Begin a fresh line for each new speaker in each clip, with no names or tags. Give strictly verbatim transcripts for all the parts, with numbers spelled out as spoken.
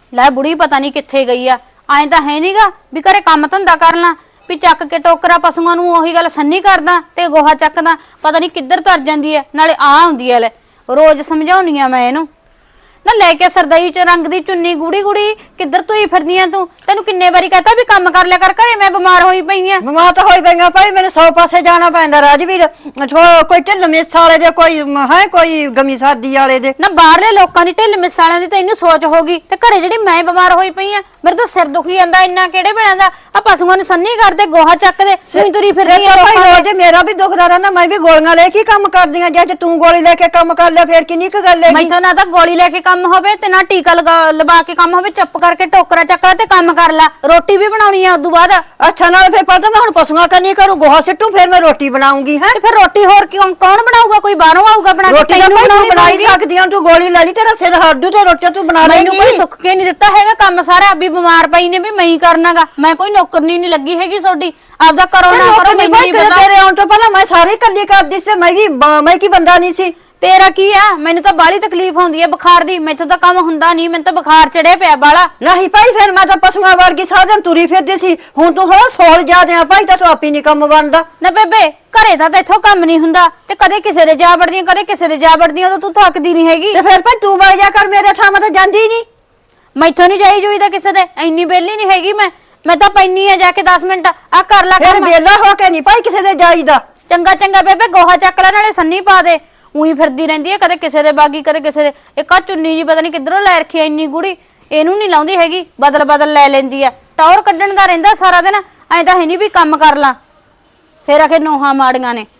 ਲੈ ਬੁੜੀ ਪਤਾ ਨਹੀਂ ਕਿੱਥੇ ਗਈ ਆ। ਐਂ ਤਾਂ ਹੈ ਨਹੀਂਗਾ ਵੀ ਘਰੇ ਕੰਮ ਧੰਦਾ ਕਰ ਲਾਂ, ਵੀ ਚੱਕ ਕੇ ਟੋਕਰਾ ਪਸ਼ੂਆਂ ਨੂੰ ਉਹੀ ਗੱਲ ਸੰਨੀ ਕਰਦਾ ਤੇ ਗੋਹਾ ਚੱਕਦਾ, ਪਤਾ ਨਹੀਂ ਕਿੱਧਰ ਤਰ ਜਾਂਦੀ ਐ। ਨਾਲੇ ਆ ਹੁੰਦੀ ਐ, ਲੈ ਰੋਜ਼ ਸਮਝਾਉਣੀ ਆ ਮੈਂ ਇਹਨੂੰ ਨਾ, ਲੈ ਕੇ ਸਰਦਈ ਚ ਰੰਗ ਦੀ ਚੁੰਨੀ ਗੂੜੀ ਗੂੜੀ ਕਿੱਧਰ ਤੂੰ ਹੀ ਫਿਰਦੀ ਆ ਤੂੰ? ਤੈਨੂੰ ਕਿੰਨੇ ਵਾਰੀ ਕਹਤਾ ਵੀ ਕੰਮ ਕਰ ਲਿਆ ਕਰ ਘਰੇ, ਮੈਂ ਬਿਮਾਰ ਹੋਈ ਪਈ ਆ।
ਬਿਮਾਰ ਤਾਂ ਹੋਈ ਪਈਆਂ ਭਾਈ, ਮੈਨੂੰ ਸੌ ਪਾਸੇ ਜਾਣਾ ਪੈਂਦਾ ਰਾਜਵੀਰ। ਕੋਈ ਢਿੱਲ ਮਿਸ ਵਾਲੇ ਦੇ, ਕੋਈ ਹੈ ਕੋਈ ਗਮੀ ਸਾਦੀ ਵਾਲੇ ਦੇ।
ਨਾ ਬਾਹਰਲੇ ਲੋਕਾਂ ਦੀ ਢਿੱਲ ਮਿਸ ਵਾਲਿਆਂ ਦੀ ਤਾਂ ਇਹਨੂੰ ਸੋਚ ਹੋਗੀ, ਤੇ ਘਰੇ ਜਿਹੜੀ ਮੈਂ ਬਿਮਾਰ ਹੋਈ ਪਈ ਆ, ਮੇਰੇ ਤਾਂ ਸਿਰ ਦੁਖੀ ਜਾਂਦਾ ਇੰਨਾ। ਕਿਹੜੇ ਵੇਲੇ ਦਾ ਆ ਪਸ਼ੂਆਂ ਨੂੰ ਸੰਨੀ ਕਰਦੇ, ਗੋਹਾ ਚੱਕਦੇ, ਤੂੰ ਤੁਰੀ ਫਿਰਦੀ ਆ।
ਰੋਜ਼ ਮੇਰਾ ਵੀ ਦੁਖਦਾ ਰਹਿੰਦਾ, ਮੈਂ ਵੀ ਗੋਲੀਆਂ ਲੈ ਕੇ ਕੰਮ ਕਰਦੀ ਆ। ਜੇ ਤੂੰ ਗੋਲੀ ਲੈ ਕੇ ਕੰਮ ਕਰ ਲਿਆ ਫੇਰ ਕਿੰਨੀ ਕੁ ਗੱਲ ਹੈ।
ਮੈਥੋਂ ਨਾ ਤਾਂ ਗੋਲੀ ਲੈ ਕੇ ਕੰਮ ਹੋਵੇ ਤੇ ਨਾ ਟੀਕਾ ਲਗਾ ਲਵਾ ਕੇ ਕੰਮ ਹੋਵੇ। ਚੁੱਪ ਕਰਕੇ ਟੋਕਰਾ ਚੱਕ ਲੈ ਤੇ ਕੰਮ ਕਰ ਲੈ, ਰੋਟੀ ਵੀ ਬਣਾਉਣੀ ਆ ਉਦੋਂ ਬਾਅਦ।
ਅੱਛਾ ਨਾਲ ਫੇਰ ਪਤਾ ਮੈਂ ਹੁਣ ਪਸ਼ੂਆਂ ਕਰਨੀ ਕਰੂੰ, ਗੋਹਾ ਸਿੱਟੂ ਫੇਰ ਮੈਂ ਰੋਟੀ ਬਣਾਉਂਗੀ। ਹੈ
ਤੇ ਫਿਰ ਰੋਟੀ ਹੋਰ ਕਿਉਂ ਕੌਣ ਬਣਾਊਗਾ? ਕੋਈ ਬਾਹਰੋਂ ਆਊਗਾ ਬਣਾ ਕੇ?
ਰੋਟੀ ਤਾਂ ਤੂੰ ਬਣਾ ਹੀ ਸਕਦੀ ਆ, ਤੂੰ ਗੋਲੀ ਲੈ ਲਈ, ਤੇਰਾ ਸਿਰ ਹੱਡੂ ਤੇ ਰੋਟੀ ਤੂੰ ਬਣਾ ਲੇਂਗੀ।
ਮੈਨੂੰ ਕੋਈ ਸੁੱਖ ਕੇ ਨਹੀਂ ਦਿੱਤਾ ਹੈਗਾ ਕੰਮ ਸਾਰਾ, ਵੀ ਬਿਮਾਰ ਪਈ ਨੇ ਵੀ ਮੈਂ ਹੀ ਕਰਨਾਗਾ। ਮੈਂ ਕੋਈ ਨੌਕਰਨੀ ਨਹੀਂ ਲੱਗੀ ਹੈਗੀ ਤੁਹਾਡੀ, ਆਪਦਾ ਕਰੋ ਨਾ ਕਰੋ ਮੈਨੂੰ ਨਹੀਂ ਪਤਾ।
ਤੇਰੇ ਆਉਣ ਤੋਂ ਪਹਿਲਾਂ ਮੈਂ ਸਾਰੀ ਇਕੱਲੀ ਕਰਦੀ ਸੀ, ਮੈਂ ਵੀ ਮੈਂ ਕੀ ਬੰਦਾ ਨਹੀਂ ਸੀ।
ਤੇਰਾ ਕੀ ਆ? ਮੈਨੂੰ ਤਾਂ ਬਾਹਲੀ ਤਕਲੀਫ ਹੁੰਦੀ ਹੈ ਬੁਖਾਰ ਦੀ, ਮੈਥੋਂ ਤਾਂ ਕੰਮ ਹੁੰਦਾ ਨਹੀਂ, ਮੈਨੂੰ ਤਾਂ ਬੁਖਾਰ ਚੜਿਆ ਪਿਆ ਬਾਲਾ।
ਨਹੀਂ ਭਾਈ ਫਿਰ ਮੈਂ ਤਾਂ ਪਸ਼ੂਆਂ ਵਰਗੀ ਸਾਰਾ ਦਿਨ ਤੁਰੀ ਫਿਰਦੀ ਸੀ, ਹੁਣ ਤੂੰ ਥੋੜਾ ਸੋਲ ਜਾਦੇ ਆ ਭਾਈ, ਤਾਂ ਤੂੰ ਆਪੀ ਨਹੀਂ ਕੰਮ ਬਣਦਾ।
ਨਾ ਬੇਬੇ ਘਰੇ ਤਾਂ ਇੱਥੋਂ ਕੰਮ ਨਹੀਂ ਹੁੰਦਾ, ਤੇ ਕਦੇ ਕਿਸੇ ਦੇ ਜਾ ਵੜਦੀਆਂ ਕਦੇ ਕਿਸੇ ਦੇ ਜਾ ਵੜਦੀਆਂ, ਉਦੋਂ ਤੂੰ ਥੱਕਦੀ ਨਹੀਂ ਹੈਗੀ।
ਤੇ ਫਿਰ ਭਾਈ ਤੂੰ ਵਗ ਜਾ ਕਰ, ਮੇਰੇ ਥਾਂ ਮੈਂ ਤਾਂ ਜਾਂਦੀ ਨਹੀਂ।
ਮੈਥੋਂ ਨਹੀਂ ਜਾਈ ਜੂਈ ਤਾਂ ਕਿਸੇ ਦੇ, ਇੰਨੀ ਬੇਲੀ ਨਹੀਂ ਹੈਗੀ ਮੈਂ। ਮੈਂ ਤਾਂ ਪੈਣੀ ਆ ਜਾ ਕੇ ਦਸ ਮਿੰਟ ਆ ਕਰ ਲਾ
ਫਿਰ ਵੇਲਾ ਹੋ ਕੇ ਨਹੀਂ ਭਾਈ ਕਿਸੇ ਦੇ ਜਾਈਦਾ।
ਚੰਗਾ ਚੰਗਾ ਬੇਬੇ ਗੋਹਾ ਚੱਕ ਲੈ, ਨਾਲੇ ਸੰਨੀ ਪਾ ਦੇ। ਉਹੀ ਫਿਰਦੀ ਰਹਿੰਦੀ ਹੈ, ਕਦੇ ਕਿਸੇ ਦੇ ਬਾਗੀ ਕਦੇ ਕਿਸੇ ਦੇ। ਇੱਕ ਆ ਚੁੰਨੀ ਜੀ ਪਤਾ ਨਹੀਂ ਕਿੱਧਰੋਂ ਲੈ ਰੱਖੀ ਐ ਇੰਨੀ ਗੂੜੀ, ਇਹਨੂੰ ਨਹੀਂ ਲਾਉਂਦੀ ਹੈਗੀ, ਬਦਲ ਬਦਲ ਲੈ ਲੈਂਦੀ ਆ। ਟੌਰ ਕੱਢਣ ਦਾ ਰਹਿੰਦਾ ਸਾਰਾ ਦਿਨ, ਐਂ ਤਾਂ ਹੈ ਨਹੀਂ ਵੀ ਕੰਮ ਕਰ ਲਾਂ। ਫੇਰ ਆਖੇ ਨੋਹਾਂ ਮਾੜੀਆਂ ਨੇ।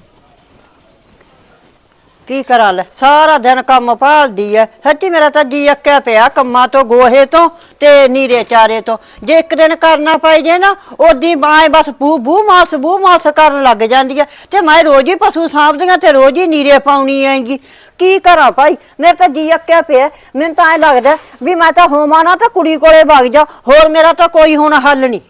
ਕੀ ਕਰਾਂ ਲੈ, ਸਾਰਾ ਦਿਨ ਕੰਮ ਭਾਲਦੀ ਐ। ਸੱਚੀ ਮੇਰਾ ਤਾਂ ਜੀ ਅੱਕਿਆ ਪਿਆ ਕੰਮਾਂ ਤੋਂ, ਗੋਹੇ ਤੋਂ ਤੇ ਨੀਰੇ ਚਾਰੇ ਤੋਂ। ਜੇ ਇੱਕ ਦਿਨ ਕਰਨਾ ਪੈ ਜੇ ਨਾ, ਉਦੀ ਬਾਏ ਬਸ ਬੂ ਬੂ ਮਾਲਸ ਬੂ ਮਾਲਸ ਕਰਨ ਲੱਗ ਜਾਂਦੀ ਐ। ਤੇ ਮੈਂ ਰੋਜ਼ ਹੀ ਪਸ਼ੂ ਸਾਂਭਦੀਆਂ ਤੇ ਰੋਜ਼ ਹੀ ਨੀਰੇ ਪਾਉਣੀ ਆਏਗੀ। ਕੀ ਕਰਾਂ ਭਾਈ, ਮੇਰੇ ਤਾਂ ਜੀ ਅੱਕਿਆ ਪਿਆ। ਮੈਨੂੰ ਤਾਂ ਐ ਲੱਗਦਾ ਵੀ ਮੈਂ ਤਾਂ ਹੋਵਾਂ ਨਾ ਤਾਂ ਕੁੜੀ ਕੋਲੇ ਵਗ ਜਾ, ਹੋਰ ਮੇਰਾ ਤਾਂ ਕੋਈ ਹੁਣ ਹੱਲ ਨਹੀਂ।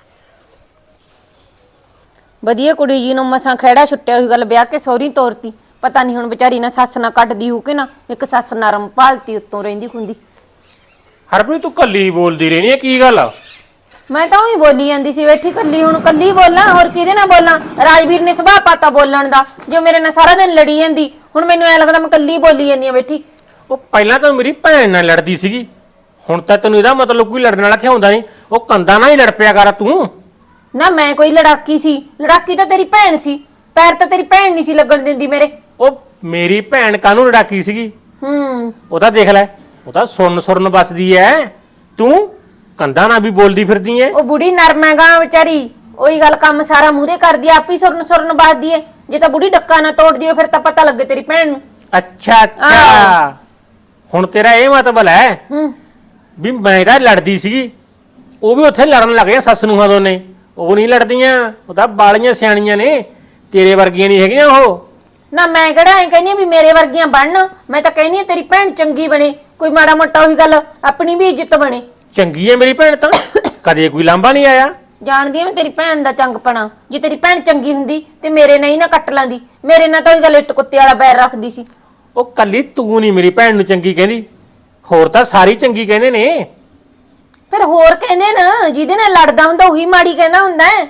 ਵਧੀਆ ਕੁੜੀ ਜੀ ਨੂੰ ਮਸਾਂ ਖਹਿੜਾ ਛੁੱਟਿਆ ਹੋਈ ਗੱਲ, ਵਿਆਹ ਕੇ ਸਹੁਰੀ ਤੋਰਤੀ। ਪਤਾ ਨਹੀਂ ਹੁਣ ਵਿਚਾਰੀ ਨਾ ਸੱਸ ਨਾ ਕੱਢਦੀ ਹੋ ਕਿ ਨਾ, ਇੱਕ ਸੱਸ ਨਰਮ ਭਾਲਤੀ ਉੱਤੋਂ ਰਹਿੰਦੀ ਹੁੰਦੀ।
ਹਰਪ੍ਰੀਤ ਤੂੰ ਕੱਲੀ ਬੋਲਦੀ ਰਹਿਣੀ ਹੈ, ਕੀ ਗੱਲ ਆ?
ਮੈਂ ਤਾਂ ਉਹੀ ਬੋਲੀ ਜਾਂਦੀ ਸੀ ਬੈਠੀ ਕੱਲੀ, ਹੁਣ ਕੱਲੀ ਬੋਲਾਂ ਹੋਰ ਕਿਹਦੇ ਨਾਲ ਬੋਲਾਂ? ਰਾਜਵੀਰ ਨੇ ਸੁਭਾਅ ਪਾਤਾ ਬੋਲਣ ਦਾ, ਜੋ ਮੇਰੇ ਨਾਲ ਸਾਰਾ ਦਿਨ ਲੜੀ ਜਾਂਦੀ। ਹੁਣ ਮੈਨੂੰ ਐ ਲੱਗਦਾ ਮੈਂ ਕੱਲੀ ਬੋਲੀ ਜਾਂਦੀ ਆ ਬੈਠੀ।
ਉਹ ਪਹਿਲਾਂ ਤਾਂ ਮੇਰੀ ਭੈਣ ਨਾਲ ਲੜਦੀ ਸੀਗੀ, ਹੁਣ ਤਾਂ ਤੈਨੂੰ ਇਹਦਾ ਮਤਲਬ ਕੋਈ ਲੜਨ ਵਾਲਾ ਥਿਆਉਂਦਾ ਨਹੀਂ। ਉਹ ਕੰਦਾ ਨਾਲ ਹੀ ਲੜ ਪਿਆ ਕਰ ਤੂੰ।
ਨਾ ਮੈਂ ਕੋਈ ਲੜਾਕੀ ਸੀ? ਲੜਾਕੀ ਤਾਂ ਤੇਰੀ ਭੈਣ ਸੀ, ਪੈਰ ਤਾਂ ਤੇਰੀ ਭੈਣ ਨਹੀਂ ਸੀ ਲੱਗਣ ਦਿੰਦੀ ਮੇਰੇ।
ਉਹ ਮੇਰੀ ਭੈਣ ਕਾਹਨੂੰ ਲੜਾਕੀ ਸੀਗੀ?
ਹੂੰ
ਉਹ ਤਾਂ ਦੇਖ ਲੈ, ਉਹ ਤਾਂ ਸੁਰਨ ਸੁਰਨ ਬਸਦੀ ਐ, ਤੂੰ ਕੰਦਾ ਨਾਲ ਵੀ ਬੋਲਦੀ ਫਿਰਦੀ ਐ।
ਉਹ ਬੁੜੀ ਨਰਮ ਹੈਗਾ ਵਿਚਾਰੀ, ਉਹੀ ਗੱਲ ਕੰਮ ਸਾਰਾ ਮੂਹਰੇ ਕਰਦੀ ਆ, ਆਪੀ ਸੁਰਨ ਸੁਰਨ ਬਸਦੀ ਏ। ਜੇ ਤਾਂ ਬੁੜੀ ਡੱਕਾ ਨਾ ਤੋੜਦੀ ਹੋ ਫਿਰ ਤਾਂ ਪਤਾ ਲੱਗੇ ਤੇਰੀ ਭੈਣ ਨੂੰ।
ਅੱਛਾ ਅੱਛਾ, ਹੁਣ ਤੇਰਾ ਇਹ ਮਤਲਬ ਹੈ
ਹੂੰ
ਵੀ ਮੈਂ ਤਾਂ ਲੜਦੀ ਸੀਗੀ, ਉਹ ਵੀ ਉੱਥੇ ਲੜਨ ਲੱਗ ਗਿਆ ਸੱਸ ਨੂੰਹਾਂ ਦੋਨੇ। ਉਹ ਨਹੀਂ ਲੜਦੀਆਂ, ਉਹ ਤਾਂ ਬਾਲੀਆਂ ਸਿਆਣੀਆਂ ਨੇ, ਤੇਰੇ ਵਰਗੀਆਂ ਨਹੀਂ ਹੈਗੀਆਂ ਉਹ।
ਨਾ ਮੈਂ ਕਿਹੜਾ ਐ ਕਹਿੰਦੀ ਵੀ ਮੇਰੇ ਵਰਗੀਆਂ ਬਣਨ, ਮੈਂ ਤਾਂ ਕਹਿੰਦੀ ਤੇਰੀ ਭੈਣ ਚੰਗੀ ਬਣੇ, ਕੋਈ ਮਾੜਾ ਮੋਟਾ ਉਹੀ ਗੱਲ ਆਪਣੀ ਵੀ ਇੱਜ਼ਤ ਬਣੇ।
ਚੰਗੀ ਐ ਮੇਰੀ ਭੈਣ ਤਾਂ, ਕਦੇ ਕੋਈ ਲਾਂਭਾ ਨਹੀਂ ਆਇਆ।
ਜਾਣਦੀ ਆ ਮੈਂ ਤੇਰੀ ਭੈਣ ਦਾ ਚੰਗਪਣਾ, ਜੇ ਤੇਰੀ ਭੈਣ ਚੰਗੀ ਹੁੰਦੀ ਤੇ ਮੇਰੇ ਨਹੀਂ ਨਾ ਕੱਟ ਲਾਂਦੀ, ਮੇਰੇ ਨਾਲ ਤਾਂ ਉਹੀ ਗੱਲ ਇੱਟ ਕੁੱਤੇ ਵਾਲਾ ਬੈਰ ਰੱਖਦੀ ਸੀ।
ਉਹ ਕੱਲੀ ਤੂੰ ਨਹੀਂ ਮੇਰੀ ਭੈਣ ਨੂੰ ਚੰਗੀ ਕਹਿੰਦੀ, ਹੋਰ ਤਾਂ ਸਾਰੀ ਚੰਗੀ ਕਹਿੰਦੇ ਨੇ।
ਫਿਰ ਹੋਰ ਕਹਿੰਦੇ ਨਾ, ਜਿਹਦੇ ਨਾਲ ਲੜਦਾ ਹੁੰਦਾ ਉਹੀ ਮਾੜੀ ਕਹਿੰਦਾ ਹੁੰਦਾ ਹੈ।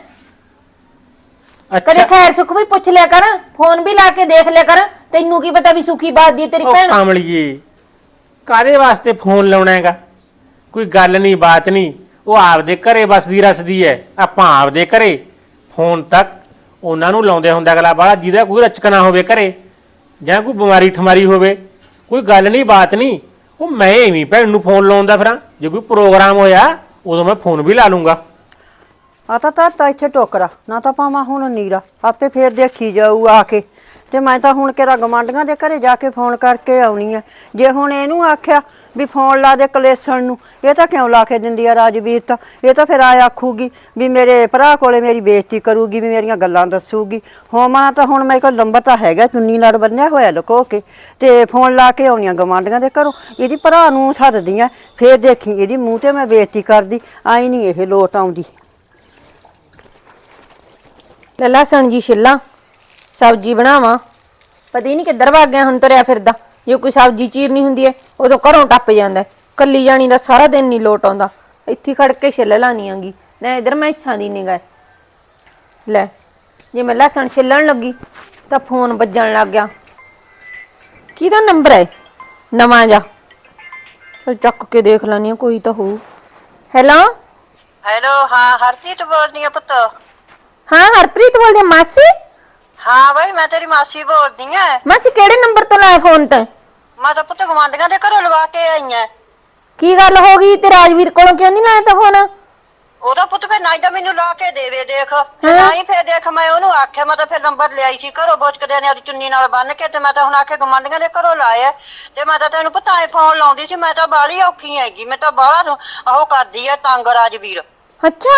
ਕਦੇ ਖੈਰ ਸੁੱਖ ਵੀ ਪੁੱਛ ਲਿਆ ਕਰ, ਫੋਨ ਵੀ ਲਾ ਕੇ ਦੇਖ ਲਿਆ ਕਰ, ਤੈਨੂੰ ਕੀ ਪਤਾ ਵੀ ਸੁਖੀ ਬਾਤ ਦੀ ਤੇਰੀ ਭੈਣ।
ਕਾਮਲੀਏ ਕਾਦੇ ਵਾਸਤੇ ਫੋਨ ਲਾਉਣਾ ਹੈਗਾ? ਕੋਈ ਗੱਲ ਨਹੀਂ ਬਾਤ ਨਹੀਂ, ਉਹ ਆਪਦੇ ਘਰੇ ਬਸਦੀ ਰਸਦੀ ਐ, ਆਪਾਂ ਆਪਦੇ ਘਰੇ। ਫੋਨ ਤੱਕ ਉਹਨਾਂ ਨੂੰ ਲਾਉਂਦੇ ਹੁੰਦਾ ਅਗਲਾ ਬਾਹਲਾ ਜਿਹਦਾ ਕੋਈ ਰਚਕਣਾ ਹੋਵੇ ਘਰੇ, ਜਾਂ ਕੋਈ ਬਿਮਾਰੀ ਠਮਾਰੀ ਹੋਵੇ, ਕੋਈ ਗੱਲ ਨਹੀਂ ਬਾਤ ਨਹੀਂ। ਉਹ ਮੈਂ ਐਵੇਂ ਭੈਣ ਨੂੰ ਫੋਨ ਲਾਉਂਦਾ ਫਿਰਾਂ, ਜੇ ਕੋਈ ਪ੍ਰੋਗਰਾਮ ਹੋਇਆ ਉਦੋਂ ਮੈਂ ਫੋਨ ਵੀ ਲਾ ਲੂੰਗਾ।
ਆ ਤਾਂ ਤਾਂ ਇੱਥੇ ਟੋਕਰਾ ਨਾ ਤਾਂ ਪਾਵਾਂ ਹੁਣ ਨੀਰਾ, ਆਪੇ ਫੇਰ ਦੇਖੀ ਜਾਊ ਆ ਕੇ। ਤੇ ਮੈਂ ਤਾਂ ਹੁਣ ਕਿਹੜਾ ਗਵਾਂਢੀਆਂ ਦੇ ਘਰੇ ਜਾ ਕੇ ਫੋਨ ਕਰਕੇ ਆਉਣੀ ਆ। ਜੇ ਹੁਣ ਇਹਨੂੰ ਆਖਿਆ ਵੀ ਫੋਨ ਲਾ ਦੇ ਕਲੇਸਣ ਨੂੰ, ਇਹ ਤਾਂ ਕਿਉਂ ਲਾ ਕੇ ਦਿੰਦੀ ਆ ਰਾਜਵੀਰ? ਤਾਂ ਇਹ ਤਾਂ ਫਿਰ ਆ ਆਖੂਗੀ ਵੀ ਮੇਰੇ ਭਰਾ ਕੋਲੇ ਮੇਰੀ ਬੇਇੱਜ਼ਤੀ ਕਰੂਗੀ, ਵੀ ਮੇਰੀਆਂ ਗੱਲਾਂ ਦੱਸੂਗੀ। ਹੋਵਾਂ ਤਾਂ ਹੁਣ ਮੇਰੇ ਕੋਲ ਨੰਬਰ ਤਾਂ ਹੈਗਾ, ਚੁੰਨੀ ਨਾਲ ਬੰਨਿਆ ਹੋਇਆ ਲੁਕੋ ਕੇ, ਤੇ ਫੋਨ ਲਾ ਕੇ ਆਉਣੀਆਂ ਗਵਾਂਢੀਆਂ ਦੇ ਘਰੋਂ। ਇਹਦੀ ਭਰਾ ਨੂੰ ਸੱਦਦੀ ਆ, ਫੇਰ ਦੇਖੀ ਇਹਦੀ ਮੂੰਹ ਤੇ ਮੈਂ ਬੇਇੱਜ਼ਤੀ ਕਰਦੀ। ਆਈ ਨਹੀਂ ਇਹ ਲੋਟ ਆਉਂਦੀ।
ਲਸਣ ਜੀ ਛਿੱਲਾਂ, ਸਬਜ਼ੀ ਬਣਾਵਾਂ, ਪਤਾ ਹੀ ਨਹੀਂ ਕਿੱਧਰ ਭੱਗ ਗਿਆ ਹੁਣ, ਤੁਰਿਆ ਫਿਰਦਾ। ਜੇ ਕੋਈ ਸਬਜ਼ੀ ਚੀਰਨੀ ਹੁੰਦੀ ਹੈ ਉਦੋਂ ਘਰੋਂ ਟੱਪ ਜਾਂਦਾ, ਕੱਲੀ ਜਾਣੀ ਦਾ ਸਾਰਾ ਦਿਨ ਨਹੀਂ ਲੋਟ ਆਉਂਦਾ। ਇੱਥੇ ਖੜ ਕੇ ਛਿੱਲ ਲਾਣੀ ਆਂਗੀ ਨਾ, ਇਧਰ ਮੈਂ ਹਿੱਸਾਂ ਦੀ ਨਿਗਾਹ ਲੈ। ਜੇ ਮੈਂ ਲਸਣ ਛਿੱਲਣ ਲੱਗੀ ਤਾਂ ਫੋਨ ਵੱਜਣ ਲੱਗ ਗਿਆ। ਕਿਹਦਾ ਨੰਬਰ ਹੈ ਨਵਾਂ ਜਾ? ਚਲ ਚੱਕ ਕੇ ਦੇਖ ਲੈਣੀ ਆ, ਕੋਈ ਤਾਂ ਹੋਊ। ਹੈਲੋ
ਹੈਲੋ, ਹਾਂ ਹਰਪ੍ਰੀਤ ਬੋਲਦੀ ਆ ਪੁੱਤ।
ਹਾਂ ਹਰਪ੍ਰੀਤ ਬੋਲਦੀ ਆ। ਮਾਸੀ?
ਹਾਂ ਬਈ ਮੈਂ ਤੇਰੀ ਮਾਸੀ ਬੋਲਦੀ ਆ।
ਮਾਸੀ ਕਿਹੜੇ ਨੰਬਰ ਤੋਂ ਲਾਇਆ ਫੋਨ ਤੇ?
ਮੈਂ ਤਾਂ ਪੁੱਤ ਗਵਾਂਢੀਆਂ ਦੇ ਘਰੋਂ ਲਵਾ ਕੇ ਆਈ ਆ।
ਕੀ ਗੱਲ ਹੋ ਗਈ ਤੇ ਰਾਜਵੀਰ ਕੋਲੋਂ ਕਿਉਂ ਨਹੀਂ ਲਾਇਆ ਤਾਂ ਫੋਨ?
ਉਹਦਾ ਪੁੱਤ ਫਿਰ ਨਾ ਤਾਂ ਮੈਨੂੰ ਲਾ ਕੇ ਦੇਵੇ ਦੇਖ, ਤੇ ਨਾ ਹੀ ਫਿਰ ਦੇਖ ਮੈਂ ਉਹਨੂੰ ਆਖਿਆ, ਮੈਂ ਤਾਂ ਫਿਰ ਨੰਬਰ ਲਿਆਈ ਸੀ ਘਰੋਂ ਬੋਚਕਦਿਆਂ ਨੇ ਆਪਣੀ ਚੁੰਨੀ ਨਾਲ ਬੰਨ ਕੇ, ਤੇ ਮੈਂ ਤਾਂ ਹੁਣ ਆਖੇ ਗਵਾਂਢੀਆਂ ਦੇ ਘਰੋਂ ਲਾਇਆ। ਤੇ ਮੈਂ ਤਾਂ ਤੈਨੂੰ ਪਤਾ ਐ ਫੋਨ ਲਾਉਂਦੀ ਸੀ, ਮੈਂ ਤਾਂ ਬਾਹਲੀ ਔਖੀ ਹੈਗੀ, ਮੈਂ ਤਾਂ ਬਾਹਲਾ ਉਹ ਕਰਦੀ ਆ ਤੰਗ ਰਾਜਵੀਰ।
ਅੱਛਾ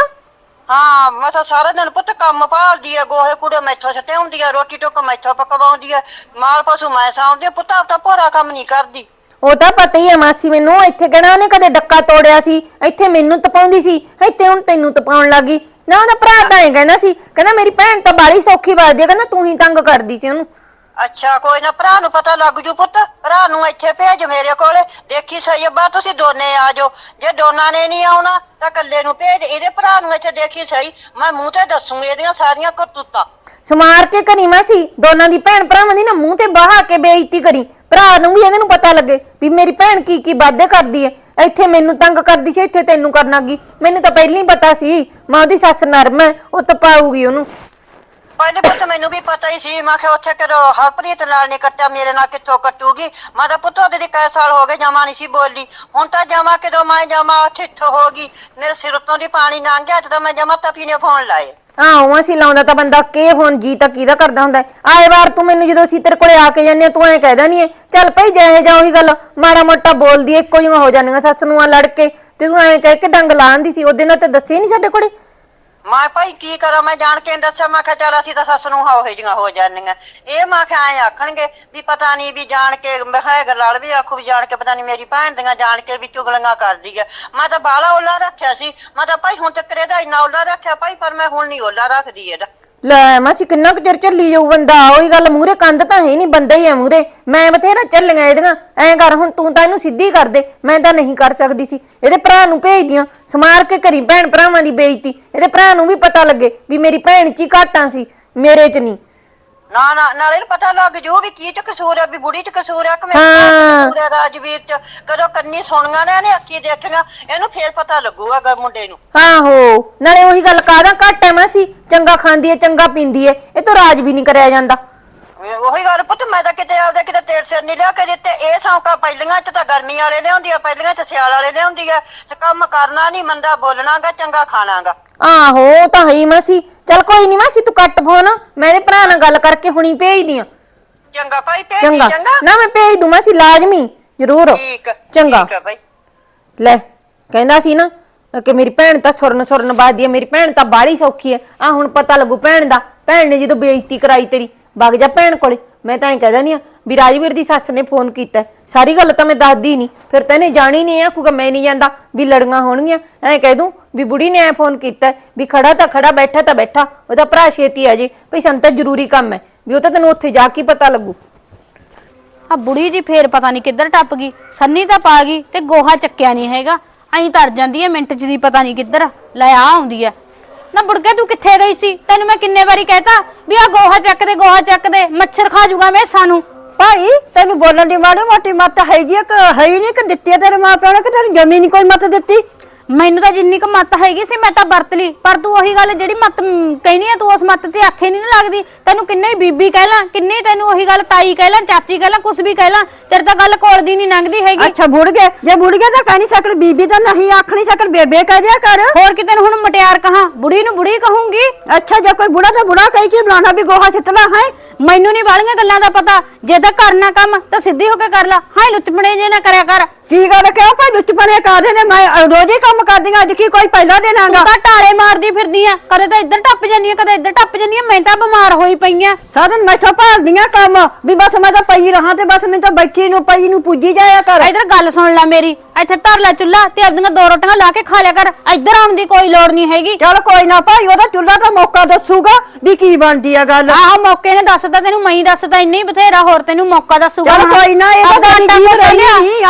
ਹਾਂ ਮੈਂ ਤਾਂ ਸਾਰਾ ਦਿਨ ਪੁੱਤ ਕੰਮ ਭਾਲਦੀ ਆ, ਗੋਹੇ ਕੂੜੇ ਮੈਥੋਂ ਛੱਟੇ ਹੁੰਦੀ ਆ, ਰੋਟੀ ਟੁੱਕ ਮੈਥੋਂ ਪਕਵਾਉਂਦੀ ਆ, ਮਾਲ ਪਸ਼ੂ ਮੈਂ ਸਾਂਭਦੀ ਆ, ਪੁੱਤ ਆਪਦਾ ਭੋਰਾ ਕੰਮ ਨਹੀਂ ਕਰਦੀ।
ਉਹ ਤਾਂ ਪਤਾ ਹੀ ਹੈ ਮਾਸੀ ਮੈਨੂੰ। ਇੱਥੇ ਕਹਿਣਾ ਉਹਨੇ ਕਦੇ ਡੱਕਾ ਤੋੜਿਆ ਸੀ, ਇੱਥੇ ਮੈਨੂੰ ਤਪਾਉਂਦੀ ਸੀ, ਇੱਥੇ ਹੁਣ ਤੈਨੂੰ ਤਪਾਉਣ ਲੱਗੀ ਨਾ। ਉਹਦਾ ਭਰਾ ਤਾਂ ਇਹ ਕਹਿੰਦਾ ਸੀ, ਕਹਿੰਦਾ ਮੇਰੀ ਭੈਣ ਤਾਂ ਬਾਲੀ ਸੌਖੀ ਵੱਜਦੀ ਹੈ, ਕਹਿੰਦਾ ਤੂੰ ਹੀ ਤੰਗ ਕਰਦੀ ਸੀ ਉਹਨੂੰ।
ਅੱਛਾ ਕੋਈ ਨਾ, ਭਰਾ ਨੂੰ ਪਤਾ ਲੱਗ ਜੂ ਪੁੱਤ, ਭਰਾ ਨੂੰ ਇੱਥੇ ਭੇਜ ਮੇਰੇ ਕੋਲੇ, ਦੇਖੀ ਸਹੀ ਅੱਬਾ ਤੁਸੀਂ ਦੋਨੇ ਆ ਜਾਓ। ਜੇ ਦੋਨਾਂ ਨੇ ਨਹੀਂ ਆਉਣਾ ਤਾਂ ਇਕੱਲੇ ਨੂੰ ਭੇਜ, ਇਹਦੇ ਭਰਾ ਨੂੰ ਇੱਥੇ ਦੇਖੀ ਸਹੀ, ਮੈਂ ਮੂੰਹ ਤੇ ਦੱਸੂਗੀ ਇਹਦੀਆਂ ਸਾਰੀਆਂ ਕਰਤੂਤਾਂ।
ਸਮਾਰ ਕੇ ਕਰੀ ਮਾਸੀ, ਦੋਨਾਂ ਦੀ ਭੈਣ ਭਰਾਵਾਂ ਦੀ ਨਾ ਮੂੰਹ ਤੇ ਬਾਹਾ ਕੇ ਬੇਇੱਜ਼ਤੀ ਕਰੀ। ਭਰਾ ਨੂੰ ਵੀ ਇਹਨਾਂ ਨੂੰ ਪਤਾ ਲੱਗੇ ਵੀ ਮੇਰੀ ਭੈਣ ਕੀ ਕੀ ਵਾਅਦੇ ਕਰਦੀ ਹੈ। ਇੱਥੇ ਮੈਨੂੰ ਤੰਗ ਕਰਦੀ ਸੀ, ਇੱਥੇ ਤੈਨੂੰ ਕਰਨ ਲੱਗੀ। ਮੈਨੂੰ ਤਾਂ ਪਹਿਲਾਂ ਹੀ ਪਤਾ ਸੀ ਮਾਂ ਉਹਦੀ ਸੱਸ ਨਰਮ ਹੈ, ਉਹ ਤਪਾਊਗੀ ਉਹਨੂੰ।
ਪਹਿਲੇ ਪੁੱਤ ਮੈਨੂੰ ਵੀ ਪਤਾ ਹੀ ਸੀ, ਮੈਂ ਕਿਹਾ ਉੱਥੇ ਕਰੋ ਹਰਪ੍ਰੀਤ ਨਾਲ ਨਹੀਂ ਕੱਟਿਆ, ਮੇਰੇ ਨਾਲ ਕਿੱਥੋਂ ਕੱਟੂਗੀ। ਮੈਂ ਤਾਂ ਪੁੱਤ ਉਹਦੇ ਦੀ ਕਈ ਸਾਲ ਹੋ ਗਏ ਜਮਾ ਨਹੀਂ ਸੀ ਬੋਲੀ, ਹੁਣ ਤਾਂ ਜਮਾ ਕਿਦੋਂ ਮੈਂ ਜਮਾ ਠਿੱਠ ਹੋ ਗਈ, ਮੇਰੇ ਸਿਰ ਉੱਤੋਂ ਦੀ ਪਾਣੀ ਲੰਘ ਗਿਆ, ਤੇ ਮੈਂ ਜਮਾ ਤਪੀ ਨੇ ਫੋਨ ਲਾਏ।
ਆਹੋ ਅਸੀਂ ਲਾਉਂਦਾ ਤਾਂ ਬੰਦਾ ਕੇ ਫੋਨ ਜੀ ਤਾਂ ਕਿਹਦਾ ਕਰਦਾ ਹੁੰਦਾ। ਆਏ ਵਾਰ ਤੂੰ ਮੈਨੂੰ ਜਦੋਂ ਅਸੀਂ ਤੇਰੇ ਕੋਲੇ ਆ ਕੇ ਜਾਂਦੇ ਤੂੰ ਐਂ ਕਹਿਦਾ ਨਹੀਂ ਚੱਲ ਭਾਈ ਜਿਹੇ ਜਾ ਉਹੀ ਗੱਲ ਮਾੜਾ ਮੋਟਾ ਬੋਲਦੀ ਐ, ਇੱਕੋ ਜਿਹੀਆਂ ਹੋ ਜਾਂਦੀਆਂ ਸੱਸ ਨੂੰ ਆ ਲੜ ਕੇ, ਤੇ ਤੂੰ ਐਂ ਕਹਿ ਕੇ ਡੰਗ ਲਾਉਂਦੀ ਸੀ। ਉਹਦੇ ਨਾਲ ਤੇ ਦੱਸੇ ਨਹੀਂ ਸਾਡੇ ਕੋਲੇ।
ਮੈਂ ਭਾਈ ਕੀ ਕਰਾਂ, ਮੈਂ ਜਾਣ ਕੇ ਦੱਸਿਆ, ਮੈਂ ਕਿਹਾ ਚੱਲ ਅਸੀਂ ਤਾਂ ਸੱਸ ਨੂੰ ਹੋ ਜਿਹੀਆਂ ਹੋ ਜਾਂਦੀਆਂ। ਇਹ ਮੈਂ ਕਿਹਾ ਐਂ ਆਖਣਗੇ ਵੀ ਪਤਾ ਨਹੀਂ ਵੀ ਜਾਣ ਕੇ, ਮੈਂ ਕਿਹਾ ਗਲਾਲ ਵੀ ਆਖੂ ਵੀ ਜਾਣ ਕੇ ਪਤਾ ਨਹੀਂ ਮੇਰੀ ਭੈਣ ਦੀਆਂ ਜਾਣ ਕੇ ਵੀ ਚੁਗਲੀਆਂ ਕਰਦੀ ਹੈ। ਮੈਂ ਤਾਂ ਬਾਲਾ ਓਲਾ ਰੱਖਿਆ ਸੀ, ਮੈਂ ਤਾਂ ਭਾਈ ਹੁਣ ਤੱਕ ਇਹਦਾ ਇੰਨਾ ਓਲਾ ਰੱਖਿਆ ਭਾਈ, ਪਰ ਮੈਂ ਹੁਣ ਨਹੀਂ ਓਲਾ ਰੱਖਦੀ ਇਹਦਾ।
ਲੈ ਮਾਸੀ ਕਿੰਨਾ ਕੁ ਚਿਰ ਚੱਲੀ ਜਾਊ ਬੰਦਾ, ਉਹੀ ਗੱਲ ਮੂਹਰੇ ਕੰਧ ਤਾਂ ਹੈ ਨਹੀਂ, ਬੰਦਾ ਹੀ ਹੈ ਮੂਹਰੇ। ਮੈਂ ਬਥੇਰਾ ਚੱਲੀਆਂ ਇਹਦੀਆਂ, ਐਂ ਕਰ ਹੁਣ ਤੂੰ ਤਾਂ ਇਹਨੂੰ ਸਿੱਧੀ ਕਰ ਦੇ, ਮੈਂ ਤਾਂ ਨਹੀਂ ਕਰ ਸਕਦੀ ਸੀ। ਇਹਦੇ ਭਰਾ ਨੂੰ ਭੇਜ ਦਿਆਂ, ਸਮਾਰ ਕੇ ਕਰੀ ਭੈਣ ਭਰਾਵਾਂ ਦੀ ਬੇਇੱਜ਼ਤੀ, ਇਹਦੇ ਭਰਾ ਨੂੰ ਵੀ ਪਤਾ ਲੱਗੇ ਵੀ ਮੇਰੀ ਭੈਣ ਚ ਹੀ ਘਾਟਾਂ ਸੀ, ਮੇਰੇ ਚ ਨਹੀਂ।
ਨਾ ਨਾ ਨਾਲੇ ਪਤਾ ਲੱਗ ਜੂ ਵੀ ਕੀ ਚ ਕਸੂਰ ਹੈ, ਵੀ ਬੁੜੀ ਚ ਕਸੂਰ ਹੈ ਕਿ ਮੇਰੇ ਕਸੂਰ ਹੈ, ਰਾਜਵੀਰ ਚ। ਕਦੋਂ ਕੰਨੀ ਸੁਣੀਆਂ ਨੇ ਇਹਨੇ ਅੱਖੀ ਦੇਖੀਆਂ, ਇਹਨੂੰ ਫੇਰ ਪਤਾ ਲੱਗੂਗਾ ਮੁੰਡੇ ਨੂੰ।
ਆਹੋ ਨਾਲੇ ਉਹੀ ਗੱਲ ਕਾਹਦਾ ਘੱਟ ਹੈ ਮਾਸੀ, ਚੰਗਾ ਖਾਂਦੀ ਹੈ ਚੰਗਾ ਪੀਂਦੀ ਹੈ, ਇਹ ਤਾਂ ਰਾਜ ਵੀ ਨਹੀਂ ਕਰਿਆ ਜਾਂਦਾ।
ਉਹੀ ਗੱਲ ਪੁੱਤ, ਮੈਂ ਤਾਂ ਕਿਤੇ ਆਪਦੇ ਕਿਤੇ ਤੇਲ ਸਿਰ ਨਹੀਂ ਲਿਆ ਕੇ ਦਿੱਤੇ। ਇਹ ਸੌਂਕਾ ਪਹਿਲੀਆਂ ਚ ਤਾਂ ਗਰਮੀ ਵਾਲੇ ਲਿਆਉਂਦੀ ਆ, ਪਹਿਲੀਆਂ ਚ ਸਿਆਲ ਵਾਲੇ ਲਿਆਉਂਦੀ ਆ। ਤੇ ਕੰਮ ਕਰਨਾ ਨਹੀਂ, ਮੰਦਾ ਬੋਲਣਾਗਾ, ਚੰਗਾ ਖਾਣਾਗਾ।
ਆਹੋ ਤਾਂ ਹੈ ਮਾਸੀ। ਚੱਲ ਕੋਈ ਨਹੀਂ ਮਾਸੀ ਤੂੰ ਕੱਟ ਫੋਨ, ਮੈਂ ਇਹਦੇ ਭਰਾ ਨਾਲ ਗੱਲ ਕਰਕੇ ਹੁਣੀ ਭੇਜਦੀ ਆ।
ਚੰਗਾ ਭਾਈ ਭੇਜ
ਚੰਗਾ
ਚੰਗਾ
ਨਾ ਮੈਂ ਭੇਜ ਦੂੰ ਮਾਸੀ, ਲਾਜ਼ਮੀ ਜ਼ਰੂਰ।
ਠੀਕ
ਚੰਗਾ
ਠੀਕ ਆ ਭਾਈ।
ਲੈ ਕਹਿੰਦਾ ਸੀ ਨਾ ਕਿ ਮੇਰੀ ਭੈਣ ਤਾਂ ਸੁਰਨ ਸੁਰਨ ਬਾਦੀ ਹੈ, ਮੇਰੀ ਭੈਣ ਤਾਂ ਬਾਹਲੀ ਸੌਖੀ ਹੈ। ਆ ਹੁਣ ਪਤਾ ਲੱਗੂ ਭੈਣ ਦਾ, ਭੈਣ ਨੇ ਜਦੋਂ ਬੇਇੱਜ਼ਤੀ ਕਰਾਈ ਤੇਰੀ। ਵਗ ਜਾ ਭੈਣ ਕੋਲੇ। ਮੈਂ ਤਾਂ ਐਂ ਕਹਿ ਦਿੰਦੀ ਆ ਵੀ ਰਾਜਵੀਰ ਦੀ ਸੱਸ ਨੇ ਫੋਨ ਕੀਤਾ, ਸਾਰੀ ਗੱਲ ਤਾਂ ਮੈਂ ਦੱਸਦੀ ਨਹੀਂ, ਫਿਰ ਤਾਂ ਇਹਨੇ ਜਾਣੀ ਨਹੀਂ ਆ ਕਿਉਂਕਿ ਮੈਂ ਨਹੀਂ ਜਾਂਦਾ ਵੀ ਲੜੀਆਂ ਹੋਣਗੀਆਂ। ਐਂ ਕਹਿ ਦੂੰ ਵੀ ਬੁੜੀ ਨੇ ਐ ਫੋਨ ਕੀਤਾ ਵੀ ਖੜਾ ਤਾਂ ਖੜਾ ਬੈਠਾ ਤਾਂ ਬੈਠਾ, ਉਹਦਾ ਭਰਾ ਛੇਤੀ ਆ ਜੇ ਭਈ ਸਾਨੂੰ ਤਾਂ ਜ਼ਰੂਰੀ ਕੰਮ ਹੈ, ਵੀ ਉਹ ਤਾਂ ਤੈਨੂੰ ਉੱਥੇ ਜਾ ਕੇ ਪਤਾ ਲੱਗੂ।
ਆ ਬੁੜੀ ਜੀ ਫੇਰ ਪਤਾ ਨਹੀਂ ਕਿੱਧਰ ਟੱਪ ਗਈ, ਸੰਨੀ ਤਾਂ ਪਾ ਗਈ ਤੇ ਗੋਹਾ ਚੱਕਿਆ ਨਹੀਂ ਹੈਗਾ, ਐਂ ਤਰ ਜਾਂਦੀ ਹੈ ਮਿੰਟ ਚ ਦੀ, ਪਤਾ ਨਹੀਂ ਕਿੱਧਰ ਲੈ ਆ ਆਉਂਦੀ ਹੈ। ਨਾ ਬੁੜਕੇ ਤੂੰ ਕਿੱਥੇ ਗਈ ਸੀ? ਤੈਨੂੰ ਮੈਂ ਕਿੰਨੇ ਵਾਰੀ ਕਹਿਤਾ ਵੀ ਆ ਗੋਹਾ ਚੱਕ ਦੇ, ਗੋਹਾ ਚੱਕ ਦੇ, ਮੱਛਰ ਖਾ ਜੂਗਾ ਮੈਸਾਂ ਨੂੰ।
ਭਾਈ ਤੈਨੂੰ ਬੋਲਣ ਦੀ ਮਾੜੀ ਮੋਟੀ ਮੱਤ ਹੈਗੀ ਆ ਕਿ ਹੈ ਹੀ ਨਹੀਂ, ਕਿ ਦਿੱਤੀ ਆ ਤੇਰੇ ਮਾਂ ਪਿਓ ਨੇ, ਕਿ ਤੈਨੂੰ ਜਮੀ ਨਹੀਂ ਕੋਈ ਮੱਤ ਦਿੱਤੀ?
ਮੈਨੂੰ ਤਾਂ ਜਿੰਨੀ ਕੁ ਮੱਤ ਹੈਗੀ ਸੀ ਮੈਂ ਤਾਂ ਵਰਤ ਲਈ, ਪਰ ਤੂੰ ਉਹੀ ਗੱਲ ਜਿਹੜੀ ਮੱਤ ਕਹਿਨੀ ਆ ਤੂੰ ਉਸ ਮੱਤ ਤੇ ਆਖੇ ਨਹੀਂ ਨਾ ਲੱਗਦੀ। ਤੈਨੂੰ ਕਿੰਨੇ ਹੀ ਬੀਬੀ ਕਹਿ ਲਾਂ, ਕਿੰਨੇ ਤੈਨੂੰ ਉਹੀ ਗੱਲ ਤਾਈ ਕਹਿ ਲਾਂ, ਚਾਚੀ ਕਹਿ ਲਾਂ, ਕੁਛ ਵੀ ਕਹਿ ਲਾਂ, ਤੇਰੇ ਤਾਂ ਗੱਲ ਕੋਲ ਦੀ ਨਹੀਂ ਲੰਘਦੀ ਹੈਗੀ।
ਅੱਛਾ ਬੁੜ ਗਏ, ਜੇ ਬੁੜ ਗਏ ਤਾਂ ਕਹਿ ਨਹੀਂ ਸਕਣ, ਬੀਬੀ ਤਾਂ ਨਹੀਂ ਆਖ ਨਹੀਂ ਸਕਣ, ਬੇਬੇ ਕਹਿ ਦਿਆ ਕਰ।
ਹੋਰ ਕਿ ਤੈਨੂੰ ਹੁਣ ਮਟਿਆਰ ਕਹਾਂ, ਬੁੜੀ ਨੂੰ ਬੁੜੀ ਕਹੂੰਗੀ।
ਅੱਛਾ ਜੇ ਕੋਈ ਬੁੜਾ ਤਾਂ ਬੁੜਾ ਕਹੀ ਕੀ ਬੁਲਾਣਾ, ਵੀ ਗੋਹਾ ਸਿੱਟਲਾ ਹੈ।
ਮੈਨੂੰ ਨਹੀਂ ਵਾਲੀਆਂ ਗੱਲਾਂ ਦਾ ਪਤਾ, ਜੇ ਤਾਂ ਕਰਨਾ ਕੰਮ ਤਾਂ ਸਿੱਧੀ ਹੋ ਕੇ ਕਰ ਲੈ, ਹਾਂ ਲੁੱਚਪਣੇ ਜੇ ਨਾ ਕਰਿਆ ਕਰ।
ਕੀ ਗੱਲ ਕਿਉਂ ਭਾਈ ਲੁੱਚਪਣੇ ਕਰਦੇ ਨੇ? ਮੈਂ ਰੋਜ਼ ਹੀ ਕੰਮ ਕਰਦੀ ਆਂ, ਅੱਜ ਕੀ ਕੋਈ ਪਹਿਲਾ ਦਿਨ ਆਂਗਾ?
ਤੂੰ ਤਾਂ ਟਾਲੇ ਮਾਰਦੀ ਫਿਰਦੀ ਆ, ਕਦੇ ਤਾਂ ਇੱਧਰ ਟੱਪ ਜਾਂਦੀ ਆ, ਕਦੇ ਇੱਧਰ ਟੱਪ ਜਾਂਦੀ ਆ। ਮੈਂ ਤਾਂ ਬਿਮਾਰ ਹੋਈ ਪਈ ਆ,
ਸਾਧਨ ਮੈਥੋਂ ਭਾਲਦੀਆਂ ਕੰਮ, ਵੀ ਬਸ ਮੈਂ ਤਾਂ ਪਈ ਰਹਾ ਤੇ ਬਸ ਮੈਂ ਤਾਂ ਬੈਠੀ ਨੂੰ ਪਈ ਨੂੰ ਪੁੱਜੀ ਜਾਇਆ ਕਰ।
ਇੱਧਰ ਗੱਲ ਸੁਣ ਲੈ ਮੇਰੀ, ਇੱਥੇ ਧਰ ਲੈ ਚੁੱਲਾ ਤੇ ਆਪਣੀਆਂ ਦੋ ਰੋਟੀਆਂ ਲਾ ਕੇ ਖਾ ਲਿਆ ਕਰ, ਇੱਧਰ ਆਉਣ ਦੀ ਕੋਈ ਲੋੜ ਨਹੀਂ ਹੈਗੀ।
ਚੱਲ ਕੋਈ ਨਾ ਭਾਈ, ਉਹਦਾ ਚੁੱਲਾ ਤਾਂ ਮੌਕਾ ਦੱਸੂਗਾ ਵੀ ਕੀ ਬਣਦੀ ਆ ਗੱਲ।
ਆਹੋ ਮੌਕੇ ਨੇ ਦੱਸਦਾ ਤੈਨੂੰ, ਮੈਂ ਹੀ ਦੱਸਦਾ, ਇੰਨੀ ਬਥੇਰਾ ਹੋਰ ਤੈਨੂੰ ਮੌਕਾ ਦੱਸੂਗਾ।
ਚੱਲ ਕੋਈ ਨਾ, ਇਹ ਤਾਂ ਗੱਲ ਨਹੀਂ ਅੱਡ ਹੋਣਾ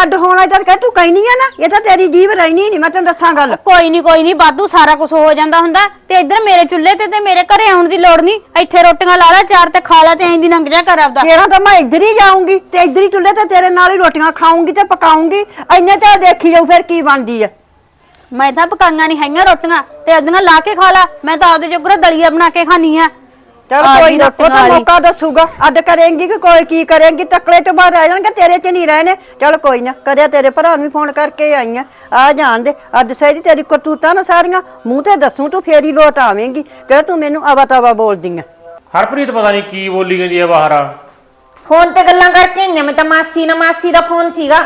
ਮੈਂ ਤਾਂ ਕਹਿ ਤੂੰ ਕਹਿਨੀ ਆ ਨਾ ਇਹ ਤਾਂ ਤੇਰੀ ਜੀਭ ਰਹਿਣੀ ਨਹੀਂ ਮੈਂ ਤੈਨੂੰ ਦੱਸਾਂ ਗੱਲ
ਕੋਈ ਨਹੀਂ ਕੋਈ ਨਹੀਂ ਬਾਦੂ ਸਾਰਾ ਕੁਝ ਹੋ ਜਾਂਦਾ ਹੁੰਦਾ ਤੇ ਇੱਧਰ ਮੇਰੇ ਚੁੱਲ੍ਹੇ ਤੇ ਤੇ ਮੇਰੇ ਘਰੇ ਆਉਣ ਦੀ ਲੋੜ ਨਹੀਂ ਇੱਥੇ ਰੋਟੀਆਂ ਲਾ ਲੈ ਚਾਰ ਤੇ ਖਾ ਲੈ ਤੇ ਐਂ ਦੀ ਲੰਘ ਜਾ ਕਰ ਆਪਦਾ
ਤੇਰਾ ਤਾਂ ਮੈਂ ਇੱਧਰ ਹੀ ਜਾਊਂਗੀ ਤੇ ਇੱਧਰ ਹੀ ਚੁੱਲ੍ਹੇ ਤੇ ਤੇਰੇ ਨਾਲ ਹੀ ਰੋਟੀਆਂ ਖਾਊਂਗੀ ਤੇ ਪਕਾਊਂਗੀ ਇੰਨੇ ਤਾਂ ਦੇਖੀ ਜਾਊ ਫਿਰ ਕੀ ਬਣਦੀ ਆ
ਮੈਂ ਤਾਂ ਪਕਾਈਆਂ ਨਹੀਂ ਹੈਗੀਆਂ ਰੋਟੀਆਂ ਤੇ ਉਹਦੀਆਂ ਲਾ ਕੇ ਖਾ ਲਾ ਮੈਂ ਤਾਂ ਆਪਦੇ ਜੋਗਰਾ ਦਲੀਆ ਬਣਾ ਕੇ ਖਾਣੀ ਆ
ਚਲ
ਆ
ਕੋਈ
ਗਈ
ਨਾ ਉਹ
ਰੋਟੀਆਂ
ਤਾਂ
ਵਾਲੀ।
ਮੌਕਾ ਦੱਸੂਗਾ ਅੱਡ ਕਰੇਂਗੀ ਕਿ ਕੋਈ ਕੀ ਕਰੇਂਗੀ ਤਕੜੇ ਤੋਂ ਬਾਅਦ ਰਹਿ ਜਾਣਗੇ ਤੇਰੇ ਚ ਨਹੀਂ ਰਹਿਣੇ ਚਲ ਕੋਈ ਨਾ ਕਰਿਆ ਤੇਰੇ ਭਰਾ ਨੂੰ ਫੋਨ ਕਰਕੇ ਆਈਆਂ ਆ ਜਾਣ ਦੇ ਅੱਜ ਸਹਿਰੀ ਤੇਰੀ ਕਰਤੂਤਾਂ ਨਾ ਸਾਰੀਆਂ ਮੂੰਹ ਤੇ ਦੱਸੂ ਤੂੰ ਫੇਰੀ ਲੋਟ ਆਵੇਂਗੀ ਕਿ ਤੂੰ ਮੈਨੂੰ ਆਵਾ ਤਾਵਾ ਬੋਲਦੀ ਆ
ਹਰਪ੍ਰੀਤ ਪਤਾ ਨਹੀਂ ਕੀ ਬੋਲੀ ਜਾਂਦੀ ਹੈ ਬਾਹਰ।
ਫੋਨ ਤੇ ਗੱਲਾਂ ਕਰਕੇ ਆਈਆਂ ਮੈਂ ਤਾਂ ਮਾਸੀ ਨਾਲ ਮਾਸੀ ਦਾ ਫੋਨ ਸੀਗਾ